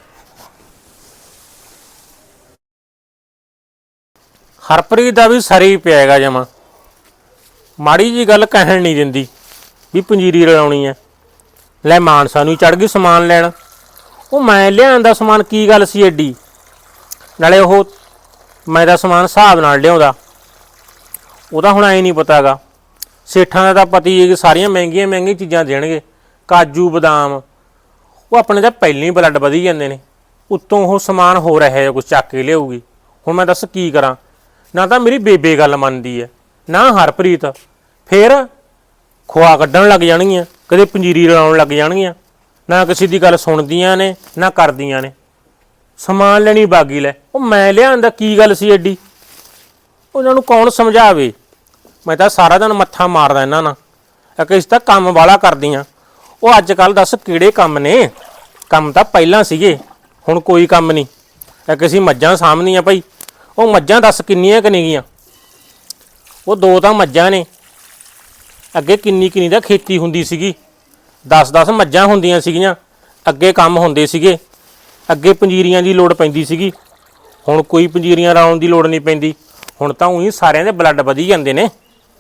D: ਹਰਪ੍ਰੀਤ ਦਾ ਵੀ ਸਰੀ ਪਿਆਗਾ ਜਮਾ ਮਾੜੀ ਜੀ ਗੱਲ ਕਹਿਣ ਨਹੀਂ ਦਿੰਦੀ ਵੀ ਪੰਜੀਰੀ ਰਲਾਉਣੀ ਐ ਲੈ ਮਾਨਸਾ ਨੂੰ ਚੜ ਗਈ ਸਮਾਨ ਲੈਣ ਉਹ ਮੈਂ ਲਿਆਂਦਾ ਸਮਾਨ ਕੀ ਗੱਲ ਸੀ ਐਡੀ ਨਾਲੇ ਉਹ ਮੈਂ ਦਾ ਸਮਾਨ ਹਿਸਾਬ ਨਾਲ ਲਿਆਉਂਦਾ ਉਹਦਾ ਹੁਣ ਐ ਨਹੀਂ ਪਤਾਗਾ ਸੇਠਾਂ ਦਾ ਤਾਂ ਪਤੀ ਹੈ ਕਿ ਸਾਰੀਆਂ ਮਹਿੰਗੀਆਂ ਮਹਿੰਗੀਆਂ ਚੀਜ਼ਾਂ ਦੇਣਗੇ ਕਾਜੂ ਬਦਾਮ ਉਹ ਆਪਣੇ ਤਾਂ ਪਹਿਲਾਂ ਹੀ ਬਲੱਡ ਵਧੀ ਜਾਂਦੇ ਨੇ ਉੱਤੋਂ ਉਹ ਸਮਾਨ ਹੋ ਰਿਹਾ ਹੈ ਕੁਝ ਚੱਕ ਕੇ ਲਿਆਊਗੀ ਹੁਣ ਮੈਂ ਦੱਸ ਕੀ ਕਰਾਂ ਨਾ ਤਾਂ ਮੇਰੀ ਬੇਬੇ ਗੱਲ ਮੰਨਦੀ ਹੈ ਨਾ ਹਰਪ੍ਰੀਤ ਫੇਰ ਖੋਆ ਕੱਢਣ ਲੱਗ ਜਾਣਗੀਆਂ ਕਦੇ ਪੰਜੀਰੀ ਰਲਾਉਣ ਲੱਗ ਜਾਣਗੀਆਂ ਨਾ ਕਿਸੇ ਦੀ ਗੱਲ ਸੁਣਦੀਆਂ ਨੇ ਨਾ ਕਰਦੀਆਂ ਨੇ ਸਮਾਨ ਲੈਣੀ ਬਾਗੀ ਲੈ ਉਹ ਮੈਂ ਲਿਆਂਦਾ ਕੀ ਗੱਲ ਸੀ ਐਡੀ ਉਹਨਾਂ ਨੂੰ ਕੌਣ ਸਮਝਾਵੇ ਮੈਂ ਤਾਂ ਸਾਰਾ ਦਿਨ ਮੱਥਾ ਮਾਰਦਾ ਇਹਨਾਂ ਨਾਲ ਕਿ ਇਸ ਤਾਂ ਕੰਮ ਵਾਲਾ ਕਰਦੀਆਂ ਉਹ ਅੱਜ ਕੱਲ ਦੱਸ ਕਿਹੜੇ ਕੰਮ ਨੇ ਕੰਮ ਤਾਂ ਪਹਿਲਾਂ ਸੀਗੇ ਹੁਣ ਕੋਈ ਕੰਮ ਨਹੀਂ ਇੱਕ ਅਸੀਂ ਮੱਝਾਂ ਸਾਂਭਦੀਆਂ ਭਾਈ ਉਹ ਮੱਝਾਂ ਦੱਸ ਕਿੰਨੀਆਂ ਕਿ ਨੇਗੀਆਂ ਉਹ ਦੋ ਤਾਂ ਮੱਝਾਂ ਨੇ ਅੱਗੇ ਕਿੰਨੀ ਕਿੰਨੀ ਦਾ ਖੇਤੀ ਹੁੰਦੀ ਸੀਗੀ ਦਸ ਦਸ ਮੱਝਾਂ ਹੁੰਦੀਆਂ ਸੀਗੀਆਂ ਅੱਗੇ ਕੰਮ ਹੁੰਦੇ ਸੀਗੇ ਅੱਗੇ ਪੰਜੀਰੀਆਂ ਦੀ ਲੋੜ ਪੈਂਦੀ ਸੀਗੀ ਹੁਣ ਕੋਈ ਪੰਜੀਰੀਆਂ ਲਾਉਣ ਦੀ ਲੋੜ ਨਹੀਂ ਪੈਂਦੀ ਹੁਣ ਤਾਂ ਉਹੀ ਸਾਰਿਆਂ ਦੇ ਬਲੱਡ ਵਧੀ ਜਾਂਦੇ ਨੇ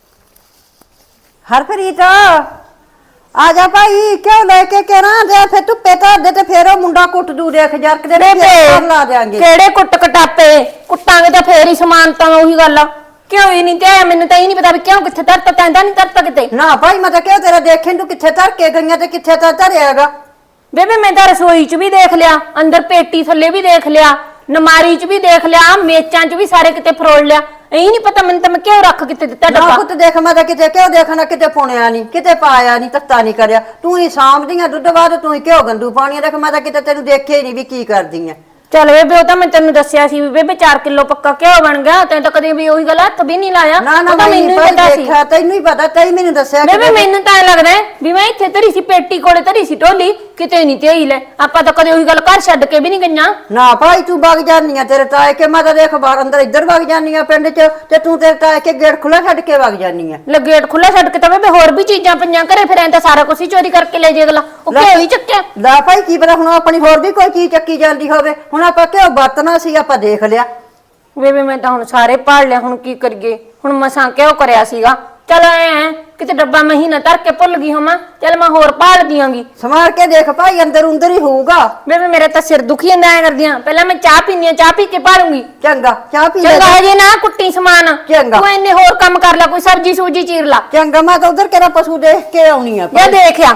B: ਹਰਪ੍ਰੀਤ ਆ ਜਾ ਭਾਈ ਕਿਉਂ ਲੈ ਕੇ ਕਿਹਨਾਂ ਦੇ ਫਿਰ ਧੁੱਪੇ ਧਰ ਦੇ ਤੇ ਫੇਰ ਉਹ ਮੁੰਡਾ ਕੁੱਟ ਦੂ ਦੇਖ ਜਰਕ ਦੇ ਨੇ ਫੇਰ ਲਾ ਦੇਾਂਗੇ
A: ਕਿਹੜੇ ਕੁੱਟ ਕਟਾਪੇ ਕੁੱਟਾਂਗੇ ਤਾਂ ਫੇਰ ਹੀ ਸਮਾਨ ਤਾਂ ਉਹੀ ਗੱਲ ਆ ਕਿਉਂ ਹੀ ਨਹੀਂ ਤੇ ਆਇਆ ਮੈਨੂੰ ਤਾਂ ਇਹ ਨਹੀਂ ਪਤਾ ਵੀ ਕਿਉਂ ਕਿੱਥੇ ਧਰਤਾ ਤੈਂਦਾ ਨਹੀਂ ਧਰਤਾ ਕਿਤੇ
B: ਨਾ ਭਾਈ ਮੈਂ ਤਾਂ ਕਿਹਾ ਤੇਰਾ ਦੇਖਣ ਤੂੰ ਕਿੱਥੇ ਧਰ ਕੇ ਗਈਆਂ ਤੇ ਕਿੱਥੇ ਤਾਂ ਧਰਿਆਗਾ
A: ਬੇਬੇ ਮੈਂ ਤਾਂ ਰਸੋਈ 'ਚ ਵੀ ਦੇਖ ਲਿਆ ਅੰਦਰ ਪੇਟੀ ਥੱਲੇ ਵੀ ਦੇਖ ਲਿਆ ਨਮਾਰੀ 'ਚ ਵੀ ਦੇਖ ਲਿਆ ਮੇਚਾਂ 'ਚ ਵੀ ਸਾਰੇ ਕਿਤੇ ਫਰੋਲ ਲਿਆ ਇਹ ਨਹੀਂ ਪਤਾ ਮੈਨੂੰ ਤਾਂ ਮੈਂ ਕਿਉਂ ਰੱਖ ਕਿਤੇ ਦਿੱਤਾ
B: ਨਾ
A: ਡੱਬਾ
B: ਪੁੱਤ ਦੇਖ ਮੈਂ ਤਾਂ ਕਿਤੇ ਕਿਉਂ ਦੇਖਣਾ ਕਿਤੇ ਪੁਣਿਆ ਨਹੀਂ ਕਿਤੇ ਪਾਇਆ ਨਹੀਂ ਤੱਤਾ ਨਹੀਂ ਕਰਿਆ ਤੂੰ ਹੀ ਸਾਂਭਦੀਆਂ ਦੁੱਧ ਬਾਅਦ ਤੂੰ ਹੀ ਕਿਉਂ ਗੰਦੂ ਪਾਣੀ ਦੇਖ ਮੈਂ ਤਾਂ ਕਿਤੇ ਤੈਨੂੰ ਦੇਖਿਆ ਹੀ ਨਹੀਂ ਵੀ ਕੀ ਕਰਦੀ ਐ
A: ਚੱਲ ਬੇਬੇ ਉਹ ਤਾਂ ਮੈਂ ਤੈਨੂੰ ਦੱਸਿਆ ਸੀ ਵੀ ਬੇਬੇ ਚਾਰ ਕਿਲੋ ਪੱਕਾ ਘਿਓ ਬਣ ਗਿਆ ਤੈਨੂੰ ਤਾਂ ਕਦੇ ਵੀ ਉਹੀ ਗੱਲ ਹੱਥ ਵੀ ਨਹੀਂ ਲਾਇਆ
B: ਨਾ ਨਾ
A: ਉਹ ਤਾਂ
B: ਮੈਂ
A: ਮੈਨੂੰ ਹੀ
B: ਭਾਈ
A: ਪਤਾ ਸੀ
B: ਦੇਖਿਆ ਤੈਨੂੰ ਹੀ ਪਤਾ ਤੈਨੂੰ ਮੈਨੂੰ ਦੱਸਿਆ
A: ਬੇਬੇ ਮੈਨੂੰ ਤਾਂ ਐਂ ਲੱਗਦਾ ਹੈ ਵੀ ਮੈਂ ਇੱਥੇ ਧਰੀ ਸੀ ਪੇਟੀ ਕੋਲੇ ਧਰੀ ਸੀ ਢੋਲੀ ਕਿਤੇ ਨਹੀਂ ਤੇ ਹੀ ਲੈ ਆਪਾਂ ਤਾਂ ਕਦੇ ਉਹੀ ਗੱਲ ਘਰ ਛੱਡ ਕੇ ਵੀ ਨਹੀਂ ਗਈਆਂ
B: ਨਾ ਭਾਈ ਤੂੰ ਵਗ ਜਾਨੀਆਂ ਤੇਰੇ ਤਾਏ ਕੇ ਮੈਂ ਤਾਂ ਦੇਖ ਬਾਹਰ ਅੰਦਰ ਇੱਧਰ ਵਗ ਜਾਨੀਆਂ ਪਿੰਡ 'ਚ ਤੇ ਤੂੰ ਤੇਰੇ ਤਾਏ ਕੇ ਗੇਟ ਖੁੱਲਾ ਛੱਡ ਕੇ ਵਗ ਜਾਨੀਆਂ
A: ਲੈ ਗੇਟ ਖੁੱਲਾ ਛੱਡ ਕੇ ਤਾਂ ਬੇਬੇ ਹੋਰ ਵੀ ਚੀਜ਼ਾਂ ਪਈਆਂ ਘਰੇ ਫਿਰ ਐਂ ਤਾਂ ਸਾਰਾ ਕੁਝ ਹੀ ਚੋਰੀ ਕਰਕੇ ਲੈ ਜੇ ਅਗਲਾ ਉਹ ਘਿਓ ਹੀ ਚੱਕਿਆ
B: ਲੈ ਭਾਈ ਕੀ ਪਤਾ ਹੁਣ ਆਪਣੀ ਹੋਰ ਵੀ ਕੋਈ ਚੀਜ਼ ਚੱਕੀ ਜਾਂਦੀ ਹੋਵੇ ਹੁਣ ਆਪਾਂ ਕਿਉਂ ਵਰਤਣਾ ਸੀ ਆਪਾਂ ਦੇਖ ਲਿਆ
A: ਬੇਬੇ ਮੈਂ ਤਾਂ ਹੁਣ ਸਾਰੇ ਪਾੜ ਲਿਆ ਹੁਣ ਕੀ ਕਰੀਏ ਹੁਣ ਮਸਾਂ ਕਿਉਂ ਕਰਿਆ ਸੀਗਾ ਚਲ ਐ ਕਿਤੇ ਡੱਬਾ ਮਹੀਨਾ ਧਰ ਕੇ ਭੁੱਲ ਗਈ ਹੋਵਾਂ ਚਲ ਮੈਂ ਹੋਰ ਪਾੜ ਦਿਆਂਗੀ
B: ਸਮਾਰ ਕੇ ਦੇਖ ਭਾਈ ਅੰਦਰ ਉਂਦਰ ਹੀ ਹੋਊਗਾ
A: ਬੇਬੇ ਮੇਰੇ ਤਾਂ ਸਿਰ ਦੁਖੀ ਜਾਂਦਾ ਐ ਕਰਦੀਆਂ ਪਹਿਲਾਂ ਮੈਂ ਚਾਹ ਪੀਣੀ ਆ ਚਾਹ ਪੀ ਕੇ ਪਾੜੂੰਗੀ
B: ਚੰਗਾ ਚਾਹ ਪੀ ਲੈ
A: ਚੰਗਾ ਹਜੇ ਨਾ ਕੁੱਟੀ ਸਮਾਨ
B: ਚੰਗਾ।
A: ਤੂੰ ਇੰਨੇ ਹੋਰ ਕੰਮ ਕਰ ਲੈ ਕੋਈ ਸਬਜੀ ਸੂਜੀ ਚੀਰ ਲਾ
B: ਚੰਗਾ ਮੈਂ ਤਾਂ ਉਧਰ ਕਿਹੜਾ ਪਸ਼ੂ ਦੇਖ ਕੇ ਆਉਣੀ ਆ
A: ਜਾਂ ਦੇਖਿਆ